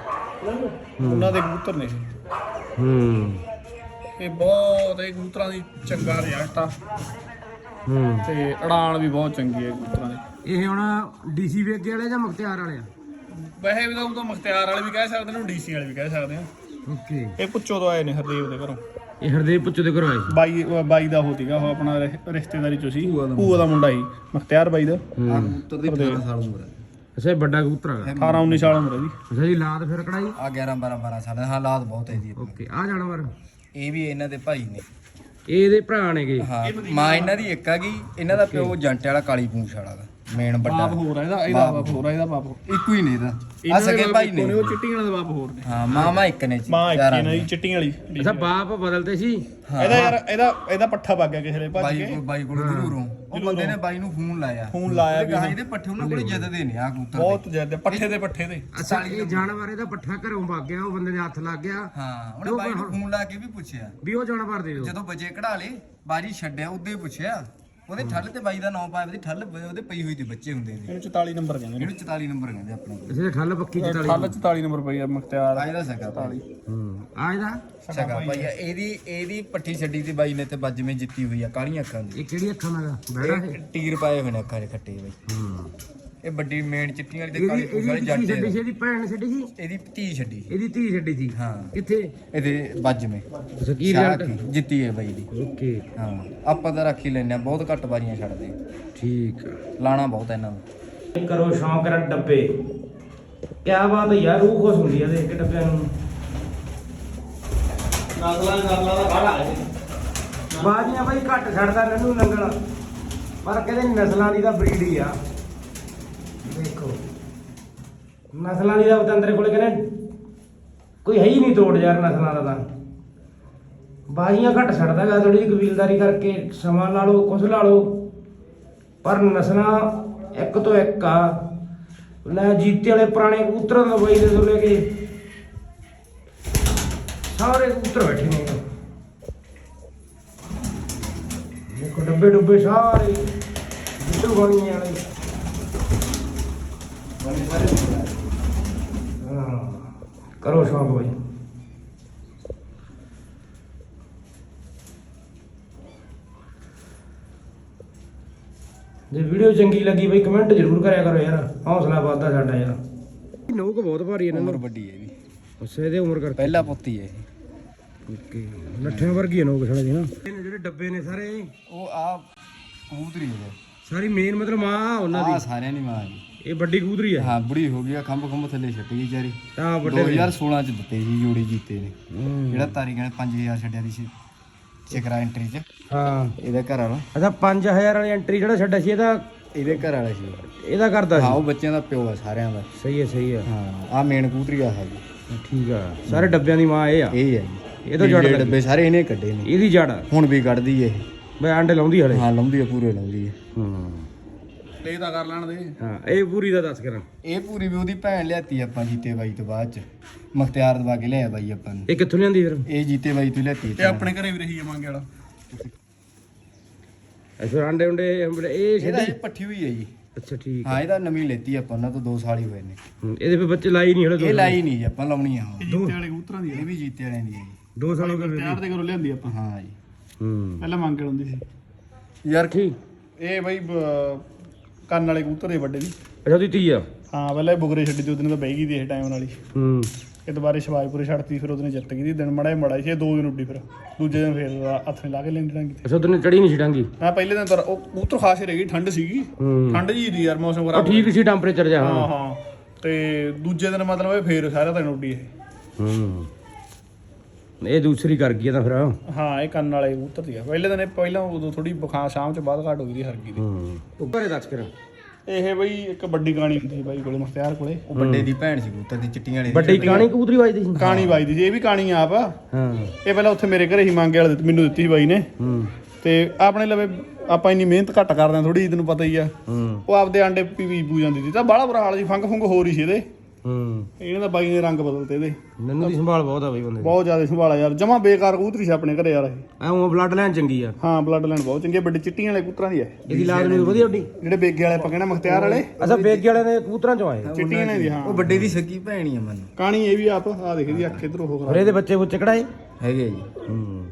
ਜੀ ਉਹਨਾਂ ਦੇ ਕਬੂਤਰ ਨੇ ਇਹ। ਹੂੰ ਇਹ ਬਹੁਤ ਇਹ ਕਬੂਤਰਾਂ ਦੀ ਚੰਗਾ ਰਿਜ਼ਲਟ ਆ, ਹੂੰ ਤੇ ਉਡਾਨ ਵੀ ਬਹੁਤ ਚੰਗੀ ਹੈ ਕਬੂਤਰਾਂ ਦੀ। ਇਹ ਹੁਣ ਡੀਸੀ ਵੇਗੇ ਵਾਲੇ ਜਾਂ ਮੁਖਤਿਆਰ ਵਾਲੇ ਆ। ਵੈਸੇ ਵੀ ਤਾਂ ਉਹ ਤਾਂ ਮੁਖਤਿਆਰ ਵਾਲੇ ਵੀ ਕਹਿ ਸਕਦੇ ਨੇ, ਡੀਸੀ ਵਾਲੇ ਵੀ ਕਹਿ ਸਕਦੇ ਆ। ਓਕੇ ਇਹ ਪੁੱਛੋ ਤੋਂ ਆਏ ਨੇ ਹਰਦੇਵ ਦੇ ਘਰੋਂ। ਇਹ ਹਰਦੇਵ ਪੁੱਛੋ ਦੇ ਘਰੋਂ ਆਏ ਸੀ। ਬਾਈ ਬਾਈ ਦਾ ਉਹ ਸੀਗਾ, ਉਹ ਆਪਣਾ ਰਿ- ਰਿਸ਼ਤੇਦਾਰੀ ਚੋਂ ਸੀ, ਭੂਆ ਦਾ ਮੁੰਡਾ ਸੀ ਮੁਖਤਿਆਰ ਬਾਈ ਦਾ। ਆ ਕਬੂਤਰ ਦੀ ਅਠਾਰਾਂ ਸਾਲ ਉਮਰ ਹੈ। ਅੱਛਾ ਇਹ ਵੱਡਾ ਕਬੂਤਰ ਹੈਗਾ। ਅਠਾਰਾਂ ਉੱਨੀ ਸਾਲ ਉਮਰ ਹੈ ਦੀ। ਅੱਛਾ ਜੀ ਲਾਦ ਫਿਰ ਕਢਾਈ। ਆ ਗਿਆਰਾਂ ਬਾਰਾਂ ਬਾਰਾਂ ਸਾਲ ਦਾ ਹਾਲਾਤ ਬਹੁਤ ਹੈ ਜੀ। ਓਕੇ ਆ ਜਾਨਵਰ ਇਹ ਵੀ ਇਹਨਾਂ ਦੇ ਭਾਈ ਨੇ। ਇਹ ਇਹਦੇ ਭਰਾ ਨੇਗੇ। ਹਾਂ ਮਾਂ ਇਹਨਾਂ ਦੀ ਇੱਕ ਹੈਗੀ। ਇਹਨਾਂ ਦਾ ਪਿਓ ਜੰਟੇ ਵਾਲਾ ਕਾਲੀ ਪੂੰਛ ਵਾਲਾ ਦਾ ਮੇਨ ਵੱਡਾ। ਬਾਪ ਹੋਰ ਆ ਇਹਦਾ, ਇਹਦਾ ਬਾਪ ਹੋਰ ਆ, ਇਹਦਾ ਬਾਪ ਹੋਰ। ਇੱਕੋ ਹੀ ਨੇ ਇਹਦਾ। ਆ ਸਕੇ ਭਾਈ ਨੇ। ਉਹ ਚਿੱਟੀਆਂ ਵਾਲੇ ਦਾ ਬਾਪ ਹੋਰ ਨੇ। ਹਾਂ ਮਾਮਾ ਇੱਕ ਨੇ ਜੀ। ਮਾਂ ਇੱਕ ਚਾਰਾਂ ਹੀ ਨਾ ਨੇ। ਜੀ, ਚਿੱਟੀਆਂ ਵਾਲੀ। ਅੱਛਾ ਬਾਪ ਬਦਲਦੇ ਸੀ। ਇਹਦਾ ਯਾਰ ਇਹਦਾ ਇਹਦਾ ਪੱਠਾ ਵਗ ਗਿਆ ਕਿਸੇ ਨੇ ਭੱਜ ਬਾਈ ਕੇ। ਕੋਲ ਬਾਈ ਕੋਲ ਜ਼ਰੂਰੋਂ ਉਹ ਬੰਦੇ ਨੇ ਬਾਈ ਨੂੰ ਫੋਨ ਲਾਇਆ। ਫੋਨ ਲਾਇਆ ਵੀ ਗਾਂ ਇਹਦੇ ਪੱਠੇ ਉਹਨਾਂ ਕੋਲੇ ਜਿੱਦਦੇ ਨੇ ਆ ਕਬੂਤਰ। ਬਹੁਤ ਜ਼ਿਆਦਾ ਪੱਠੇ ਦੇ ਪੱਠੇ ਦੇ। ਅੱਛਾ ਇਹ ਜਾਨਵਰ ਇਹਦਾ ਪੱਠਾ ਘਰੋਂ ਵਗ ਗਿਆ, ਉਹ ਬੰਦੇ ਦੇ ਹੱਥ ਲੱਗ ਗਿਆ। ਹਾਂ ਉਹਨੇ ਬਾਈ ਨੂੰ ਫੋਨ ਲਾ ਕੇ ਵੀ ਪੁੱਛਿਆ ਵੀ ਉਹ ਜਾਨਵਰ ਦੇ ਦਿਓ। ਜਦੋਂ ਬਚੇ ਕਢਾ ਲੇ ਬਾਜੀ ਛੱਡਿਆ ਉਦੋਂ ਹੀ ਪੁੱਛਿਆ। ਉਹਦੇ ਠੱਲ ਤੇ ਬਾਈ ਦਾ ਨਾਮ ਪਾਇਆ, ਉਹਦੀ ਠੱਲ ਉਹਦੇ ਪਈ ਹੋਈ ਤੇ ਬੱਚੇ ਹੁੰਦੇ ਨੇ। ਇਹਨੂੰ ਚੁਤਾਲੀ ਨੰਬਰ ਕਹਿੰਦੇ ਨੇ। ਇਹਨੂੰ ਚੁਤਾਲੀ ਨੰਬਰ ਕਹਿੰਦੇ ਆਪਣੇ ਕੋਲ। ਇਸੇ ਠੱਲ ਪੱਕੀ ਚਤਾਲੀ। ਠੱਲ ਚੁਤਾਲੀ ਨੰਬਰ ਪਈ ਆ ਮੁਖਤਿਆਰ। ਆ ਇਹਦਾ ਸਕਾ ਭਾਈ। ਹੂੰ ਆ ਇਹਦਾ ਸਕਾ ਭਾਈ ਆ। ਇਹਦੀ ਇਹਦੀ ਪੱਠੀ ਛੱਡੀ ਤੇ ਬਾਈ ਨੇ ਤੇ ਬੱਜਵੇਂ ਜਿੱਤੀ ਹੋਈ ਆ ਕਾਲੀਆਂ ਅੱਖਾਂ ਦੀ। ਇਹ ਕਿਹੜੀ ਅੱਖਾਂ ਦਾ ਬੈੜਾ ਹੈ। ਇਹ ਟੀਰ ਪਾਏ ਹੋਏ ਨੇ ਅੱਖਾਂ 'ਚ ਖੱਟੇ ਬਾਈ। ਹੂੰ ਇਹ ਵੱਡੀ ਮੇਨ ਚਿੱਟੀਆਂ ਵਾਲੀ ਤੇ ਕਾਲੀ ਇਹਦੀ ਪੂਛ ਵਾਲੀ ਇਹਦੀ ਜੱਟ ਕੀ ਛੱਡੀ ਸੀ? ਹੈ। ਇਹਦੀ ਭੈਣ ਨੇ ਛੱਡੀ ਸੀ? ਇਹਦੀ ਧੀ ਛੱਡੀ ਇਹਦੀ ਧੀ ਛੱਡੀ ਸੀ? ਹਾਂ। ਕਿੱਥੇ? ਇਹਦੇ ਵੱਜ ਮੇ ਅੱਛਾ ਕੀ ਸ਼ਾਹ ਰਿਜ਼ਲਟ? ਕੀ ਜਿੱਤੀ ਹੈ ਬਾਈ ਦੀ। ਓਕੇ ਹਾਂ ਆਪਾਂ ਤਾਂ ਰੱਖ ਹੀ ਲੈਨੇ ਆ, ਬਹੁਤ ਘੱਟ ਬਾਰੀਆਂ ਛੱਡਦੇ, ਠੀਕ ਆ। ਲਾਣਾ ਬਹੁਤ ਹੈ ਇਹਨਾਂ ਨੂੰ। ਕਰੋ ਸ਼ੌਂਕ ਰ ਡੱਬੇ, ਕਿਆ ਬਾਤ ਹੈ ਯਾਰ, ਰੂਹ ਖੁਸ਼ ਹੁੰਦੀ ਆ ਦੇਖ ਕੇ ਡੱਬਿਆਂ ਨੂੰ। ਨਸਲਾਂ ਨਸਲਾਂ ਦਾ ਗਾੜਾ ਹੈ ਬਾਜੀਆਂ ਬਾਈ ਘੱਟ ਛੱਡਦਾ ਨੰਨੂ ਨੰਗਲ, ਪਰ ਕਹਿੰਦੇ ਨਸਲਾਂ ਦੀ ਤਾਂ ਬਰੀਡ ਹੀ ਆ। ਦੇਖੋ ਨਸਲਾਂ ਦੀ ਦਾ ਬਤੰਦਰੇ ਕੋਲੇ ਕਹਿੰਦੇ ਕੋਈ ਹੈ ਹੀ ਨਹੀਂ ਤੋੜ ਯਾਰ ਨਸਲਾਂ ਦਾ ਤਾਂ। ਬਾਜੀਆਂ ਘੱਟ ਛੱਡਦਾ ਗਾ, ਥੋੜੀ ਜਿਹੀ ਕਬੀਲਦਾਰੀ ਕਰਕੇ ਸਮਾਂ ਲਾ ਲਓ ਕੁਛ ਲਾ ਲਓ, ਪਰ ਨਸਲਾਂ ਇੱਕ ਤੋਂ ਇੱਕ ਆ। ਲੈ ਜੀਤੇ ਵਾਲੇ ਪੁਰਾਣੇ ਕਬੂਤਰਾਂ ਦਾ ਬਾਈ ਦੇ ਤੋਂ ਲੈ ਕੇ ਸਾਰੇ ਕਬੂਤਰ ਬੈਠੇ ਨੇ। ਦੇਖੋ ਡੱਬੇ ਡੁੱਬੇ ਸਾਰੇ ਬਿੱਟੂ ਬਾਣੀਆਂ ਵਾਲੇ। ਹਾਂ ਕਰੋ ਸ਼ੌਂਕ ਬਾਈ। ਜੇ ਵੀਡੀਓ ਚੰਗੀ ਲੱਗੀ ਬਈ ਕਮੈਂਟ ਜ਼ਰੂਰ ਕਰਿਆ ਕਰੋ ਯਾਰ, ਹੌਸਲਾ ਵੱਧਦਾ ਸਾਡਾ ਯਾਰ। ਨੋਕ ਬਹੁਤ ਭਾਰੀ ਇਹਨਾਂ ਉਮਰ ਨੂੰ। ਵੱਡੀ ਹੈ ਇਹਦੀ, ਅੱਛਾ ਇਹਦੇ ਉਮਰ ਕਰਕੇ ਪਹਿਲਾ ਪੁੱਤੀ ਹੈ ਇਹ। ਓਕੇ ਲੱਠਿਆਂ ਵਰਗੀ ਹੈ ਨੋਕ ਛੜਾ ਜੀ ਨਾ। ਇਹ ਜਿਹੜੇ ਡੱਬੇ ਨੇ ਸਾਰੇ ਉਹ ਆ ਕਬੂਤਰੀ ਹੈ ਸਾਰੀ ਮੇਨ ਮਤਲਬ ਮਾਂ ਉਹਨਾਂ ਆ ਦੀ, ਸਾਰਿਆਂ ਦੀ ਮਾਂ ਜੀ। ਇਹ ਵੱਡੀ ਕਬੂਤਰੀ ਹੈ। ਹਾਂ ਬੁੜੀ ਹੋ ਗਈ ਆ, ਖੰਭ ਖੰਭ ਥੱਲੇ ਛੱਟੀ ਗਈ ਵਿਚਾਰੀ। ਤਾਂ ਵੱਡੇ ਦੋ ਹਜ਼ਾਰ ਸੋਲਾਂ ਚ ਦਿੱਤੇ ਸੀ ਜੋੜੀ ਜੀਤੇ ਨੇ, ਹੂੰ। ਜਿਹੜਾ ਤਾਰੀ ਕਹਿੰਦੇ ਪੰਜ ਹਜ਼ਾਰ ਛੱਡਿਆ ਦੀ ਸੀ ਚਿਕਰਾ ਐਂਟਰੀ ਚ। ਹਾਂ ਇਹਦਾ ਘਰ ਵਾਲਾ ਅੱਛਾ ਪੰਜ ਹਜ਼ਾਰ ਵਾਲੀ ਐਂਟਰੀ ਜਿਹੜਾ ਛੱਡਿਆ ਸੀ ਇਹਦਾ ਇਹਦੇ ਘਰ ਵਾਲਾ ਸੀ। ਇਹਦਾ ਕਰਦਾ ਹਾਂ ਸੀ। ਉਹ ਬੱਚਿਆਂ ਦਾ ਪਿਓ ਆ ਸਾਰਿਆਂ ਦਾ। ਸਹੀ ਹੈ ਸਹੀ ਹੈ। ਹਾਂ ਆ ਮੇਨ ਕਬੂਤਰੀ ਆ ਹੈਗੀ, ਠੀਕ ਆ। ਸਾਰੇ ਡੱਬਿਆਂ ਦੀ ਮਾਂ ਇਹ ਆ। ਇਹ ਹੈ ਜੀ। ਇਹ ਤਾਂ ਜੜ ਨੀਲੇ ਲੱਗੀ। ਡੱਬੇ ਸਾਰੇ ਇਹਨੇ ਕੱਢੇ ਨੇ, ਇਹਦੀ ਜੜ ਹੁਣ ਵੀ ਕੱਢਦੀ ਹੈ ਇਹ। ਬਈ ਆਂਡੇ ਲਾਉਂਦੀ ਹਲੇ। ਹਾਂ ਲਾਉਂਦੀ ਹੈ, ਪੂਰੇ ਲਾਉਂਦੀ ਹੈ। ਹੂੰ ਲੈ ਤਾਂ ਕਰ ਲੈਣ ਦੇ। ਹਾਂ ਇਹ ਪੂਰੀ ਦਾ ਦੱਸ ਕਰਾਂ। ਇਹ ਪੂਰੀ ਵੀ ਉਹਦੀ ਭੈਣ ਲਿਆਤੀ ਆਪਾਂ ਜੀਤੇ ਬਾਈ ਤੋਂ ਬਾਅਦ ਚ, ਮੁਖਤਿਆਰ ਦਵਾ ਕੇ ਲਿਆ ਬਾਈ ਆਪਾਂ ਨੂੰ। ਇਹ ਕਿੱਥੋਂ ਲਿਆਂਦੀ ਫਿਰ? ਇਹ ਜੀਤੇ ਬਾਈ ਤੋਂ ਲਿਆਤੀ ਇਹ ਆਪਣੇ ਘਰੇ ਵੀ ਰਹੀ ਆ ਮੰਗੇ ਵਾਲਾ। ਅੱਛਾ ਆਂਡੇ ਉਂਡੇ ਇਹ ਇਹਦਾ ਛੱਡੀ। ਇਹ ਪੱਠੀ ਹੋਈ ਹੈ ਜੀ। ਅੱਛਾ ਠੀਕ ਹਾਂ ਇਹਦਾ ਨਵੀਂ ਲੈਤੀ ਆਪਾਂ, ਉਹਨਾਂ ਤੋਂ ਦੋ ਸਾਲ ਹੀ ਹੋਏ ਨੇ। ਹੂੰ, ਇਹਦੇ ਫਿਰ ਬੱਚੇ ਲਾਈ ਨਹੀਂ ਹਲੇ। ਇਹ ਲਾਈ ਨਹੀਂ ਜੀ ਆਪਾਂ, ਲਾਉਣੀ ਆ ਇਹ ਹੁਣ। ਜੀਤੇ ਵਾਲੇ ਕਬੂਤਰਾਂ ਦੀ ਇਹ ਵੀ ਜੀਤੇ ਵਾਲਿਆਂ ਦੀ ਹੈ ਜੀ। ਦੋ ਸਾਲ ਹੋ ਗਏ ਤਿਆਰ ਦੇ ਘਰੋਂ ਲਿਆਂਦੀ ਆਪਾਂ। ਹਾਂ ਜੀ। ਹੂੰ ਪਹਿਲਾਂ ਮੰਗੇ ਹੁੰਦੀ ਸੀ ਯਾਰ ਠੀਕ। ਇਹ ਬਈ ਬ- ਕੰਨ ਵਾਲੇ ਕਬੂਤਰ ਦੇ ਵੱਡੇ ਦੀ। ਅੱਛਾ ਉਹਦੀ ਧੀ ਆ। ਹਾਂ ਪਹਿਲਾਂ ਇਹ ਬੁਗਰੇ ਛੱਡੀ ਤੇ ਉਹਦੇ ਨਾਲ ਤਾਂ ਬਹਿ ਗਈ ਦੀ ਇਹ ਟਾਈਮ ਨਾਲ ਹੀ। ਹੂੰ ਇਹ ਦੁਬਾਰੇ ਸ਼ਿਵਾਜਪੁਰੇ ਛੱਡਤੀ, ਫਿਰ ਉਹਦੇ ਨੇ ਜਿੱਤ ਗਈ ਦੀ। ਦਿਨ ਮੜਾ ਮੜਾ ਸੀ, ਇਹ ਦੋ ਦਿਨ ਉੱਡੀ, ਫਿਰ ਦੂਜੇ ਦਿਨ ਫੇਰ ਹੱਥ ਨੇ ਲਾ ਕੇ ਲੈਂਦੀ ਡਾਂਗੀ। ਅੱਛਾ ਉਦੋਂ ਚੜੀ ਨਹੀਂ ਛਡਾਂਗੀ। ਹਾਂ ਪਹਿਲੇ ਦਿਨ ਤਾਂ ਉਹ ਕਬੂਤਰ ਖਾਸ ਹੀ ਰਹਿ ਗਈ, ਠੰਡ ਸੀਗੀ। ਹੂੰ ਠੰਡ ਜੀ ਦੀ ਯਾਰ, ਮੌਸਮ ਉਹ ਖਰਾਬ। ਠੀਕ ਸੀ ਟੈਂਪਰੇਚਰ ਜਾ। ਹਾਂ ਹਾਂ ਹਾਂ ਤੇ ਦੂਜੇ ਦਿਨ ਮਤਲਬ ਇਹ ਫੇਰ ਸਾਰਾ ਦਿਨ ਉੱਡੀ ਇਹ। ਹੂੰ ਇਹ ਦੂਸਰੀ ਕਰ ਗਈ ਆ ਤਾਂ ਫਿਰ। ਹਾਂ ਇਹ ਕੰਨ ਵਾਲੇ ਕਬੂਤਰ ਦੀ ਆ। ਪਹਿਲੇ ਦਿਨ ਇਹ ਪਹਿਲਾਂ ਉਦੋਂ ਥੋੜੀ ਬਖਾ ਸ਼ਾਮ ਚ ਬਾਅਦ ਘਾਟ ਹੋ ਗਈ ਦੀ ਹਰਗੀ ਦੀ। ਹੂੰ ਉੱਪਰੇ ਦੱਸ ਕਰਾਂ। ਇਹ ਬਈ ਇੱਕ ਵੱਡੀ ਕਾਣੀ ਹੁੰਦੀ ਸੀ ਬਾਈ ਕੋਲੇ, ਮੁਖਤਿਆਰ ਕੋਲੇ। ਉਹ ਵੱਡੇ ਦੀ ਭੈਣ ਸੀ ਕਬੂਤਰ ਦੀ, ਚਿੱਟੀਆਂ ਵਾਲੀ। ਵੱਡੀ ਕਾਣੀ ਕਬੂਤਰੀ ਵੱਜਦੀ ਸੀ। ਕਾਣੀ ਵੱਜਦੀ ਸੀ, ਇਹ ਵੀ ਕਾਣੀ ਆਪ ਆ। ਹਾਂ ਇਹ ਪਹਿਲਾਂ ਉੱਥੇ ਮੇਰੇ ਘਰੇ ਹੀ ਮੰਗੇ ਵਾਲੇ ਦਿੱਤੀ, ਮੈਨੂੰ ਦਿੱਤੀ ਸੀ ਬਾਈ ਨੇ। ਹੂੰ ਤੇ ਆਪਣੇ ਲਵੇ ਆਪਾਂ ਇੰਨੀ ਮਿਹਨਤ ਘੱਟ ਕਰਦੇ ਆ ਥੋੜੀ, ਤੈਨੂੰ ਪਤਾ ਹੀ ਆ। ਹੂੰ ਉਹ ਆਪਦੇ ਆਂਡੇ ਪੀ ਵੀ ਪੂ ਜਾਂਦੀ ਸੀ, ਤਾਂ ਬਾਹਲਾ ਬੁਰਾ ਹਾਲ ਸੀ, ਫੰਗ ਫੁੰਗ ਹੋ ਰਹੀ ਸੀ ਇਹਦੇ। ਹੂੰ ਇਹਨਾਂ ਦਾ ਬਾਈ ਨੇ ਰੰਗ ਬਦਲਤੇ ਇਹਦੇ, ਨੰਨੂ ਦੀ ਸੰਭਾਲ ਬਹੁਤ ਆ ਬਈ ਬੰਦੇ ਦੀ। ਬਹੁਤ ਜ਼ਿਆਦਾ ਸੰਭਾਲਾ ਯਾਰ। ਜਮਾ ਬੇਕਾਰ ਕਬੂਤਰੀ ਸੀ ਆਪਣੇ ਘਰੇ ਯਾਰ ਇਹ। ਐ ਉਹ ਬਲੱਡ ਲਾਈਨ ਚੰਗੀ ਆ। ਹਾਂ ਬਲੱਡ ਲਾਈਨ ਬਹੁਤ ਚੰਗੀ ਆ, ਵੱਡੀ ਚਿੱਟੀਆਂ ਵਾਲੇ ਕਬੂਤਰਾਂ ਦੀ ਹੈ। ਇਹਦੀ ਲਾਜ ਨੂੰ ਵਧੀਆ ਉੱਡੀ। ਜਿਹੜੇ ਬੇਗੇ ਵਾਲੇ ਆਪਾਂ ਕਹਿੰਦੇ ਮੁਖਤਿਆਰ ਵਾਲੇ, ਅੱਛਾ ਬੇਗੇ ਵਾਲੇ ਦੇ ਕਬੂਤਰਾਂ ਚੋਂ ਆਏ। ਚਿੱਟੀਆਂ ਨੇ ਦੀ। ਹਾਂ ਉਹ ਵੱਡੇ ਦੀ ਸੱਗੀ ਭੈਣ ਹੀ ਆ ਮੈਨੂੰ। ਕਾਣੀ ਇਹ ਵੀ ਆਪ ਆ ਦੇਖ ਦੀ ਅੱਖ ਇਧਰ ਹੋ ਫਿਰ ਇਹਦੇ ਬੱਚੇ ਬੁੱਚੇ ਕਢਾਏ। ਹੈਗੇ ਜੀ। ਹੂੰ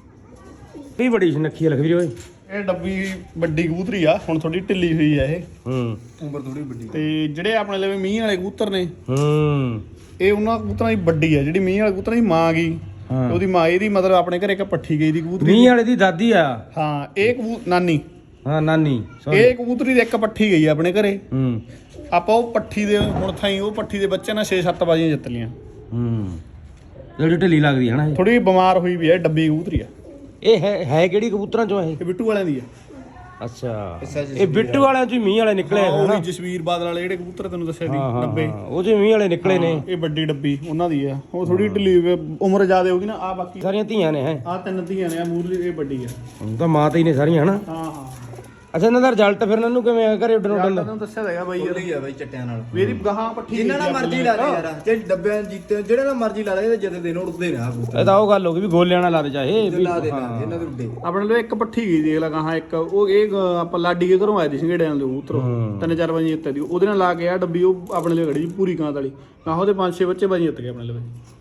ਕੀ ਬੜੀ ਸੁਨੱਖੀ ਲਖਵੀਰ ਓਏ। ਇਹ ਡੱਬੀ ਵੱਡੀ ਕਬੂਤਰੀ ਆ, ਹੁਣ ਥੋੜੀ ਢਿੱਲੀ ਹੋਈ ਆ ਇਹ। ਹੂੰ ਉਮਰ ਥੋੜੀ ਵੱਡੀ। ਤੇ ਜਿਹੜੇ ਆਪਣੇ ਲਵੇ ਮੀਂਹ ਵਾਲੇ ਕਬੂਤਰ ਨੇ, ਹੂੰ ਇਹ ਉਹਨਾਂ ਕਬੂਤਰਾਂ ਦੀ ਵੱਡੀ ਆ। ਜਿਹੜੀ ਮੀਂਹ ਵਾਲੇ ਕਬੂਤਰਾਂ ਦੀ ਮਾਂ ਗਈ, ਹਾਂ। ਉਹਦੀ ਮਾਂ ਇਹਦੀ ਮਤਲਬ ਆਪਣੇ ਘਰੇ ਇੱਕ ਪੱਠੀ ਗਈ ਦੀ ਕਬੂਤਰੀ। ਮੀਂਹ ਵਾਲੇ ਦੀ ਦਾਦੀ ਆ। ਹਾਂ ਇਹ ਕਬੂ ਨਾਨੀ ਹਾਂ ਨਾਨੀ ਇਹ ਕਬੂਤਰੀ ਦੀ ਇੱਕ ਪੱਠੀ ਗਈ ਆ ਆਪਣੇ ਘਰੇ। ਹੂੰ ਆਪਾਂ ਉਹ ਪੱਠੀ ਦੇ ਹੁਣ ਥਾਈ ਉਹ ਪੱਠੀ ਦੇ ਬੱਚੇ ਨਾਲ ਛੇ ਸੱਤ ਬਾਜ਼ੀਆਂ ਜਿੱਤ ਲੀਆਂ। ਹੂੰ ਜਿਹੜੀ ਢਿੱਲੀ ਲੱਗਦੀ ਹੈ ਨਾ ਇਹ। ਥੋੜੀ ਬਿਮਾਰ ਹੋਈ ਵੀ ਆ, ਡੱਬੀ ਕਬੂਤਰੀ ਆ। ਇਹ ਹੈ ਹੈ ਕਿਹੜੀ ਕਬੂਤਰਾਂ ਚੋਂ ਇਹ? ਇਹ ਬਿੱਟੂ ਵਾਲਿਆਂ ਦੀ ਆ। ਅੱਛਾ ਇਹ ਬਿੱਟੂ ਵਾਲਿਆਂ ਚੋਂ ਹੀ ਮੀਂਹ ਵਾਲੇ ਨਿਕਲੇ ਹਾਂ, ਹੈ ਉਹ ਨਾ। ਵੀ ਜਸਵੀਰ ਬਾਦਲ ਵਾਲੇ ਜਿਹੜੇ ਕਬੂਤਰ ਤੈਨੂੰ ਦੱਸਿਆ ਸੀ ਹਾਂ ਹਾਂ ਡੱਬੇ, ਹਾਂ, ਉਹ ਚੋਂ ਮੀਂਹ ਵਾਲੇ ਨਿਕਲੇ ਨੇ। ਇਹ ਵੱਡੀ ਡੱਬੀ ਉਹਨਾਂ ਦੀ ਆ। ਉਹ ਥੋੜੀ ਢਿੱਲੀ ਹੋਈ ਆ, ਉਮਰ ਜ਼ਿਆਦਾ ਹੋ ਗਈ ਨਾ। ਆ ਬਾਕੀ ਸਾਰੀਆਂ ਧੀਆਂ ਨੇ ਹੈ। ਆ ਤਿੰਨ ਧੀਆਂ ਨੇ, ਆ ਮੂਰਲੀ ਇਹ ਵੱਡੀ ਆ। ਹੁਣ ਤਾਂ ਮਾਂ ਤੇ ਹੀ ਨੇ ਸਾਰੀਆਂ ਹਨਾ। ਹਾਂ ਹਾਂ ਅੱਛਾ ਇਹਨਾਂ ਦਾ ਰਿਜ਼ਲਟ ਫਿਰ ਇਹਨਾਂ ਨੂੰ ਕਿਵੇਂ ਆ ਘਰੇ ਉੱਡਣ ਉੱਡਣ ਦਾ? ਤੈਨੂੰ ਦੱਸਿਆ ਹੈਗਾ ਬਾਈ ਯਾਰ, ਹੀ ਆ ਬਾਈ ਚਿੱਟਿਆਂ ਨਾਲ। ਇਹਦੀ ਗਾਹਾਂ ਪੱਠੀ ਜਿੰਨਾ ਨਾਲ ਮਰਜ਼ੀ ਲਾ ਦੇ ਯਾਰ, ਜੇ ਡੱਬਿਆਂ ਜੀਤੇ ਜਿਹੜੇ ਨਾਲ ਮਰਜ਼ੀ ਲਾ ਦੇ, ਇਹਦੇ ਜਿੱਤ ਦੇ ਨੂੰ ਉੱਡਦੇ ਨੇ ਆ ਕਬੂਤਰ। ਇਹ ਤਾਂ ਉਹ ਗੱਲ ਹੋ ਗਈ ਵੀ ਗੋਲਿਆਂ ਨਾਲ ਲਾ ਦੇ ਚਾਹੇ ਵੀ। ਲਾ ਦੇ ਲਾ ਦੇ, ਇਹਨਾਂ ਦੇ ਉੱਡੇ। ਆਪਣੇ ਲਈ ਇੱਕ ਪੱਠੀ ਗਈ ਦੇਖ ਲਾ ਗਾਹਾਂ ਇੱਕ। ਉਹ ਇਹ ਗ- ਆਪਾਂ ਲਾਡੀ ਕੇ ਘਰੋਂ ਆਏ ਦੀ ਸੰਘੇੜਿਆਂ ਦੇ ਕਬੂਤਰ, ਤਿੰਨ ਚਾਰ ਵਜੇ ਜਿੱਤ ਦੀ। ਉਹਦੇ ਨਾਲ ਲਾ ਕੇ ਆ ਡੱਬੀ, ਉਹ ਆਪਣੇ ਲਈ ਖੜੀ ਸੀ ਪੂਰੀ ਕਾਂਤ ਵਾਲੀ। ਗਾਹਾਂ ਉਹਦੇ ਪੰਜ ਛੇ ਬੱਚੇ ਬਾਜੀ ਜਿੱਤ ਗਏ ਆਪਣੇ ਲਈ।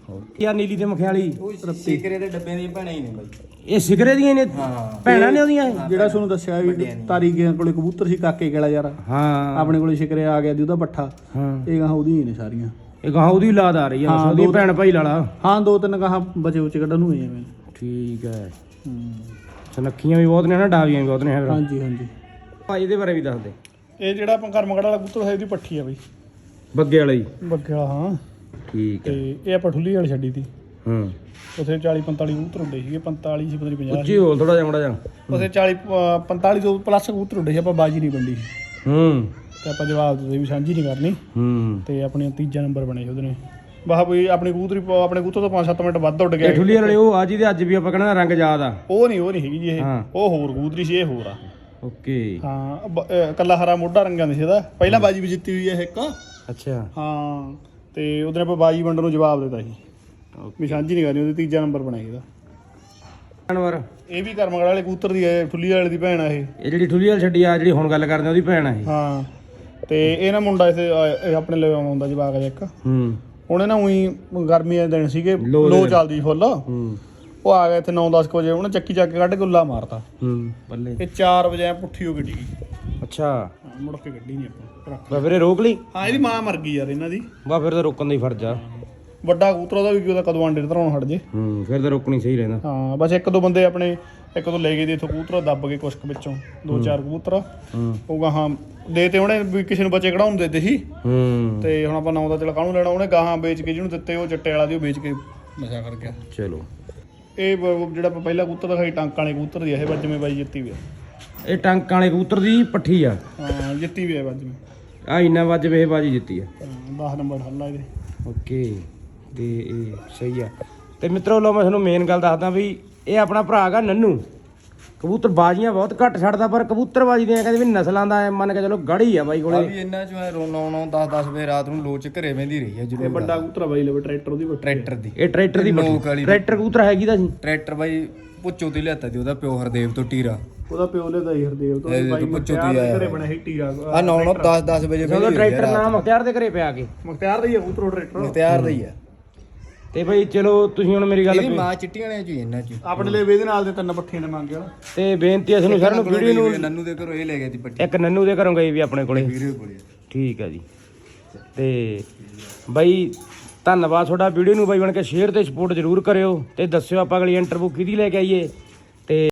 ਯਾ ਨੀਲੀ ਤੇ ਮਖਿਆਲੀ ਉਹ ਸਿਕਰੇ ਦੇ ਡੱਬਿਆਂ ਦੀਆਂ ਭੈਣਾਂ ਹੀ ਨੇ ਬਾਈ। ਇਹ ਸਿਗਰੇ ਦੀਆਂ ਨੇ ਹਾਂ ਭੈਣਾਂ ਨੇ ਉਹਦੀਆਂ ਇਹ? ਜਿਹੜਾ ਤੁਹਾਨੂੰ ਦੱਸਿਆ ਵੀ ਤਾਰੀ ਗਿਆ ਕੋਲੇ ਕਬੂਤਰ ਸੀ ਕਾਕੇ ਗੇਲਾ ਯਾਰ ਹਾਂ ਆਪਣੇ ਕੋਲੇ ਸ਼ਿਕਰੇ ਆ ਗਿਆ ਜੀ ਉਹਦਾ ਪੱਠਾ ਹਾਂ ਇਹ ਗਾਹਾਂ ਉਹਦੀਆਂ ਹੀ ਨੇ ਸਾਰੀਆਂ। ਇਹ ਗਾਂ ਉਹਦੀ ਲਾਦ ਆ ਰਹੀ ਆ ਹਾਂ, ਉਹਦੀ ਦੋ- ਭੈਣ ਭਾਈ ਲਾਲਾ। ਹਾਂ ਦੋ ਤਿੰਨ ਗਾਹਾਂ ਬਚੇ ਉਚ ਕੱਢਣ ਨੂੰ ਹੋਏ ਐਵੇਂ। ਠੀਕ ਹੈ ਹੂੰ ਸੁਨੱਖੀਆਂ ਵੀ ਬਹੁਤ ਨੇ ਨਾ ਡਾਵੀਆਂ ਵੀ ਬਹੁਤ ਨੇ ਫਿਰ ਹਾਂਜੀ ਹਾਂਜੀ। ਭਾਈ ਇਹਦੇ ਬਾਰੇ ਵੀ ਦੱਸ ਦੇ। ਇਹ ਜਿਹੜਾ ਆਪਾਂ ਕਰਮਗੜ ਵਾਲਾ ਕਬੂਤਰ ਹੈ ਇਹਦੀ ਪੱਠੀ ਆ ਬਈ ਬੱਗੇ ਵਾਲਾ ਹੀ ਬੱਗੇ ਵਾਲਾ ਹਾਂ। ਠੀਕ ਤੇ ਹੈ ਇਹ ਆਪਾਂ ਠੁੱਲੀ ਵਾਲੀ ਛੱਡੀ ਤੀ ਹੂੰ ਉਥੇ ਚਾਲੀ ਪੰਤਾਲੀ ਕਬੂਤਰ ਉੱਡੇ ਸੀਗੇ ਪੰਤਾਲੀ ਸੀ ਪਤਾ ਨਹੀਂ ਪੰਜਾਹ ਉੱਚੀ ਹੋਲ ਥੋੜਾ ਜਿਹਾ ਮੜਾ ਜਾ ਉਥੇ ਚਾਲੀ ਅ, ਪੰਤਾਲੀ ਤੋਂ ਪਲੱਸ ਕਬੂਤਰ ਉੱਡੇ ਸੀ ਆਪਾਂ ਬਾਜੀ ਨਹੀਂ ਵੰਡੀ ਸੀ ਹੂੰ ਤੇ ਆਪਾਂ ਜਵਾਬ ਦਿੱਤੇ ਵੀ ਸਾਂਝੀ ਨਹੀਂ ਕਰਨੀ ਹੂੰ ਤੇ ਆਪਣੀ ਤੀਜਾ ਨੰਬਰ ਬਣੇ ਸੀ ਉਹਦੇ ਨੇ ਵਾਹ ਬਈ ਆਪਣੀ ਕਬੂਤਰੀ ਆਪਣੇ ਕਬੂਤਰ ਤੋਂ ਪੰਜ ਸੱਤ ਮਿੰਟ ਵੱਧ ਉੱਡ ਇਹ ਗਿਆ ਠੁੱਲੀ ਵਾਲੇ ਉਹ ਅੱਜ ਦੇ ਅੱਜ ਵੀ ਆਪਾਂ ਕਹਿੰਦਾ ਰੰਗ ਯਾਦ ਆ। ਉਹ ਨਹੀਂ ਉਹ ਨਹੀਂ ਹੈਗੀ ਜੀ ਇਹ ਹਾਂ। ਉਹ ਹੋਰ ਕਬੂਤਰੀ ਸੀ ਇਹ ਹੋਰ ਆ ਓਕੇ ਹਾਂ ਬ- ਅ, ਕੱਲਾ ਹਰਾ ਮੋਢਾ ਰੰਗਾਂ ਦੇ ਸੀ ਇਹਦਾ ਪਹਿਲਾਂ ਬਾਜੀ ਵੀ ਜਿੱਤੀ ਹੋਈ ਹੈ ਇੱਕ ਅੱਛਾ ਹਾਂ ਤੇ ਉਹਦੇ ਆਪਾਂ ਬਾਜੀ ਵੰਡਣ ਨੂੰ ਜਵਾਬ ਦਿੱਤਾ ਸੀ ਵੀ ਸਾਂਝੀ ਨਹੀਂ ਕਰਨੀ ਉਹਦੇ ਤੀਜਾ ਨੰਬਰ ਬਣਾਈ ਇਹਦਾ ਜਾਨਵਰ ਇਹ ਵੀ ਕਰਮਗੜ ਵਾਲੇ ਕਬੂਤਰ ਦੀ ਹੈ ਠੁੱਲੀ ਵਾਲੇ ਦੀ ਭੈਣ ਆ ਇਹ ਇਹ ਜਿਹੜੀ ਠੁੱਲੀ ਵਾਲੀ ਛੱਡੀ ਆ ਜਿਹੜੀ ਹੁਣ ਗੱਲ ਕਰਦੇ ਆ ਉਹਦੀ ਭੈਣ ਆ ਇਹ। ਹਾਂ ਤੇ ਇਹ ਨਾ ਮੁੰਡਾ ਇੱਥੇ ਆ- ਇਹ ਆਪਣੇ ਲਈ ਆਉਂਦਾ ਜਵਾਕ ਜਿਹਾ ਇੱਕ ਹੂੰ ਉਹਨੇ ਨਾ ਉਹੀ ਗਰਮੀ ਦੇ ਦਿਨ ਸੀਗੇ ਲੋ ਦੇ ਲੋ ਦਿਨ। ਚੱਲਦੀ ਫੁੱਲ ਹੂੰ ਉਹ ਆ ਗਿਆ ਇੱਥੇ ਨੌ ਦਸ ਕੁ ਵਜੇ ਉਹਨੇ ਚੱਕੀ ਚੱਕ ਕੇ ਕੱਢ ਕੇ ਉੱਲਾ ਮਾਰਤਾ ਹੂੰ ਬੱਲੇ ਇਹ ਚਾਰ ਵਜੇ ਐਂ ਪੁੱਠੀ ਹੋ ਗਈ ਡਿੱਗੀ ਅੱਛਾ ਹਾਂ, ਮੁੜ ਕੇ ਗੱਡੀ ਨਹੀਂ ਆਪਾਂ ਰੱਖ ਬਾ ਫਿਰ ਇਹ ਰੋਕ ਲਈ ਹਾਂ ਇਹਦੀ ਮਾਂ ਮਰ ਗਈ ਯਾਰ ਇਹਨਾਂ ਦੀ ਬਾ ਫਿਰ ਤਾਂ ਰੋਕਣ ਦਾ ਹੀ ਫਰਜ਼ ਆ। ਵੱਡਾ ਕਬੂਤਰ ਉਹਦਾ ਵੀ ਕੀ ਉਹਦਾ ਕਦੋਂ ਆਂਡੇ ਧਰਾਉਣ ਹਟ ਜੇ ਹੂੰ ਫਿਰ ਤਾਂ ਰੋਕਣੀ ਸਹੀ ਰਹਿੰਦਾ। ਹਾਂ ਬਸ ਇੱਕ ਦੋ ਬੰਦੇ ਆਪਣੇ ਇੱਕ ਦੋ ਲੈ ਗਏ ਦੇ ਇੱਥੋਂ ਕਬੂਤਰ ਦੱਬ ਕੇ ਕੁਛ ਕੁ ਵਿੱਚੋਂ ਦੋ ਚਾਰ ਕਬੂਤਰ ਹੂੰ ਉਹ ਗਾਹਾਂ ਦੇ ਤੇ ਉਹਨੇ ਵੀ ਕਿਸੇ ਨੂੰ ਬੱਚੇ ਕਢਾਉਣ ਦੇ ਦਿੱਤੇ ਸੀ ਹੂੰ ਤੇ ਹੁਣ ਆਪਾਂ ਨੌ ਦਾ ਚਲ ਕਾਹਨੂੰ ਲੈਣਾ ਉਹਨੇ ਗਾਹਾਂ ਵੇਚ ਕੇ ਜਿਹਨੂੰ ਦਿੱਤੇ ਉਹ ਚਿੱਟੇ ਵਾਲਾ ਦੀ ਉਹ ਵੇਚ ਕੇ ਨਸ਼ਾ ਕਰ ਗਿਆ। ਚਲੋ ਇਹ ਬ- ਜਿਹੜਾ ਆਪਾਂ ਪਹਿਲਾ ਕਬੂਤਰ ਦਿਖਾਈ ਟਾਂਕਾਂ ਵਾਲੇ ਕਬੂਤਰ ਦੀ ਆ, ਇਹ ਵੱਜਵੇਂ ਬਾਈ ਜਿੱਤੀ ਵੀ ਆ ਇਹ ਟਾਂਕਾਂ ਵਾਲੇ ਕਬੂਤਰ ਦੀ ਪੱਠੀ ਆ ਹਾਂ ਜਿੱਤੀ ਵੀ ਆ ਵੱਜਵੇਂ ਆ ਇੰਨਾ ਵੱਜ ਵੇ ਬਾਜੀ ਜਿੱਤੀ ਆ। ਦਸ ਨੰਬਰ ਹੱਲਾ ਇਹਦੇ ਓਕੇ ਤੇ ਇਹ ਸਹੀ ਆ। ਤੇ ਮਿੱਤਰੋ ਲਓ ਮੈਂ ਤੁਹਾਨੂੰ ਮੇਨ ਗੱਲ ਦੱਸਦਾ ਵੀ ਇਹ ਆਪਣਾ ਭਰਾ ਹੈਗਾ ਨੰਨੂ ਕਬੂਤਰ ਬਾਜੀਆਂ ਬਹੁਤ ਘੱਟ ਛੱਡਦਾ ਪਰ ਕਬੂਤਰਬਾਜੀ ਦੀਆਂ ਕਹਿੰਦੇ ਵੀ ਨਸਲਾਂ ਦਾ ਐਂ ਮੰਨ ਕੇ ਚਲੋ ਗੜੀ ਆ ਬਾਈ ਆ ਕੋਲੇ। ਵੀ ਇਹਨਾਂ ਚੋਂ ਨੌ ਨੌ ਦਸ ਦਸ ਵਜੇ ਰਾਤ ਨੂੰ ਲੋਚ ਘਰੇ ਵਹਿੰਦੀ ਰਹੀ ਹੈ ਇਹ ਜਦੋਂ ਵੱਡਾ ਕਬੂਤਰ ਆ ਬਾਈ ਲਵੇ ਟਰੈਕਟਰ ਉਹਦੀ ਵੱਡੀ ਟਰੈਕਟਰ ਦੀ ਇਹ ਟਰੈਕਟਰ ਦੀ ਲੋਕ ਪੱਠੀ ਵਾਲੀ ਟਰੈਕਟਰ ਕਬੂਤਰ ਹੈਗੀ ਦਾ ਸੀ ਟਰੈਕਟਰ ਬਾਈ ਪੁੱਚੋ ਤੇ ਲਿਆਤਾ ਸੀ ਉਹਦਾ ਪਿਓ ਹਰਦੇਵ ਤੋਂ ਟੀਰਾ ਉਹਦਾ ਪਿਓ ਲੈਦਾ ਹੀ ਹਰਦੇਵ ਤੋਂ ਇਹ ਬਾਈ ਪੁੱਛੋ ਮੁਖਤਿਆਰ ਤੇ ਦੇ ਆਇਆ ਘਰੇ ਬਣਿਆ ਸੀ ਟੀਰਾ ਆ ਨੌ ਨੌ ਦਸ ਦਸ ਵਜੇ ਜਦੋਂ ਟਰੈਕਟਰ ਨਾ ਮੁਖਤਿਆਰ ਦੇ ਘਰੇ ਪਿਆ ਕੇ ਮੁਖਤਿਆਰ ਦਾ ਹੀ ਆ ਕਬੂਤਰ ਉਹ ਟਰੈਕਟਰ ਤਿਆਰ ਦਾ ਹੀ ਆ ਤੇ ਬਈ ਚਲੋ ਤੁਸੀਂ ਹੁਣ ਮੇਰੀ ਗੱਲ ਇਹਦੀ ਮਾਂ ਚਿੱਟੀਆਂ ਵਾਲਿਆਂ ਚ ਹੀ ਇਹਨਾਂ ਚ ਹੀ। ਆਪਣੇ ਲਈ ਇਹਦੇ ਨਾਲ ਦੇ ਤਿੰਨ ਪੱਠੀਆਂ ਨੇ ਮੰਗਿਆ ਤੇ ਬੇਨਤੀ ਹੈ ਤੁਹਾਨੂੰ ਸਾਰਿਆਂ ਨੂੰ ਵੀਡੀਓ ਨੂੰ ਨੰਨੂ ਦੇ ਘਰੋਂ ਇਹ ਲੈ ਗਏ ਸੀ ਪੱਟੀ ਇੱਕ ਨੰਨੂ ਦੇ ਘਰੋਂ ਗਈ ਵੀ ਆਪਣੇ ਕੋਲੇ ਵੀਰੇ ਕੋਲੇ ਠੀਕ ਹੈ ਜੀ। ਤੇ ਬਈ ਧੰਨਵਾਦ ਤੁਹਾਡਾ ਵੀਡੀਓ ਨੂੰ ਬਾਈ ਬਣ ਕੇ ਸ਼ੇਅਰ ਤੇ ਸਪੋਰਟ ਜ਼ਰੂਰ ਕਰਿਓ ਤੇ ਦੱਸਿਓ ਆਪਾਂ ਅਗਲੀ ਇੰਟਰਵਿਊ ਕਿਹਦੀ ਲੈ ਕੇ ਆਈਏ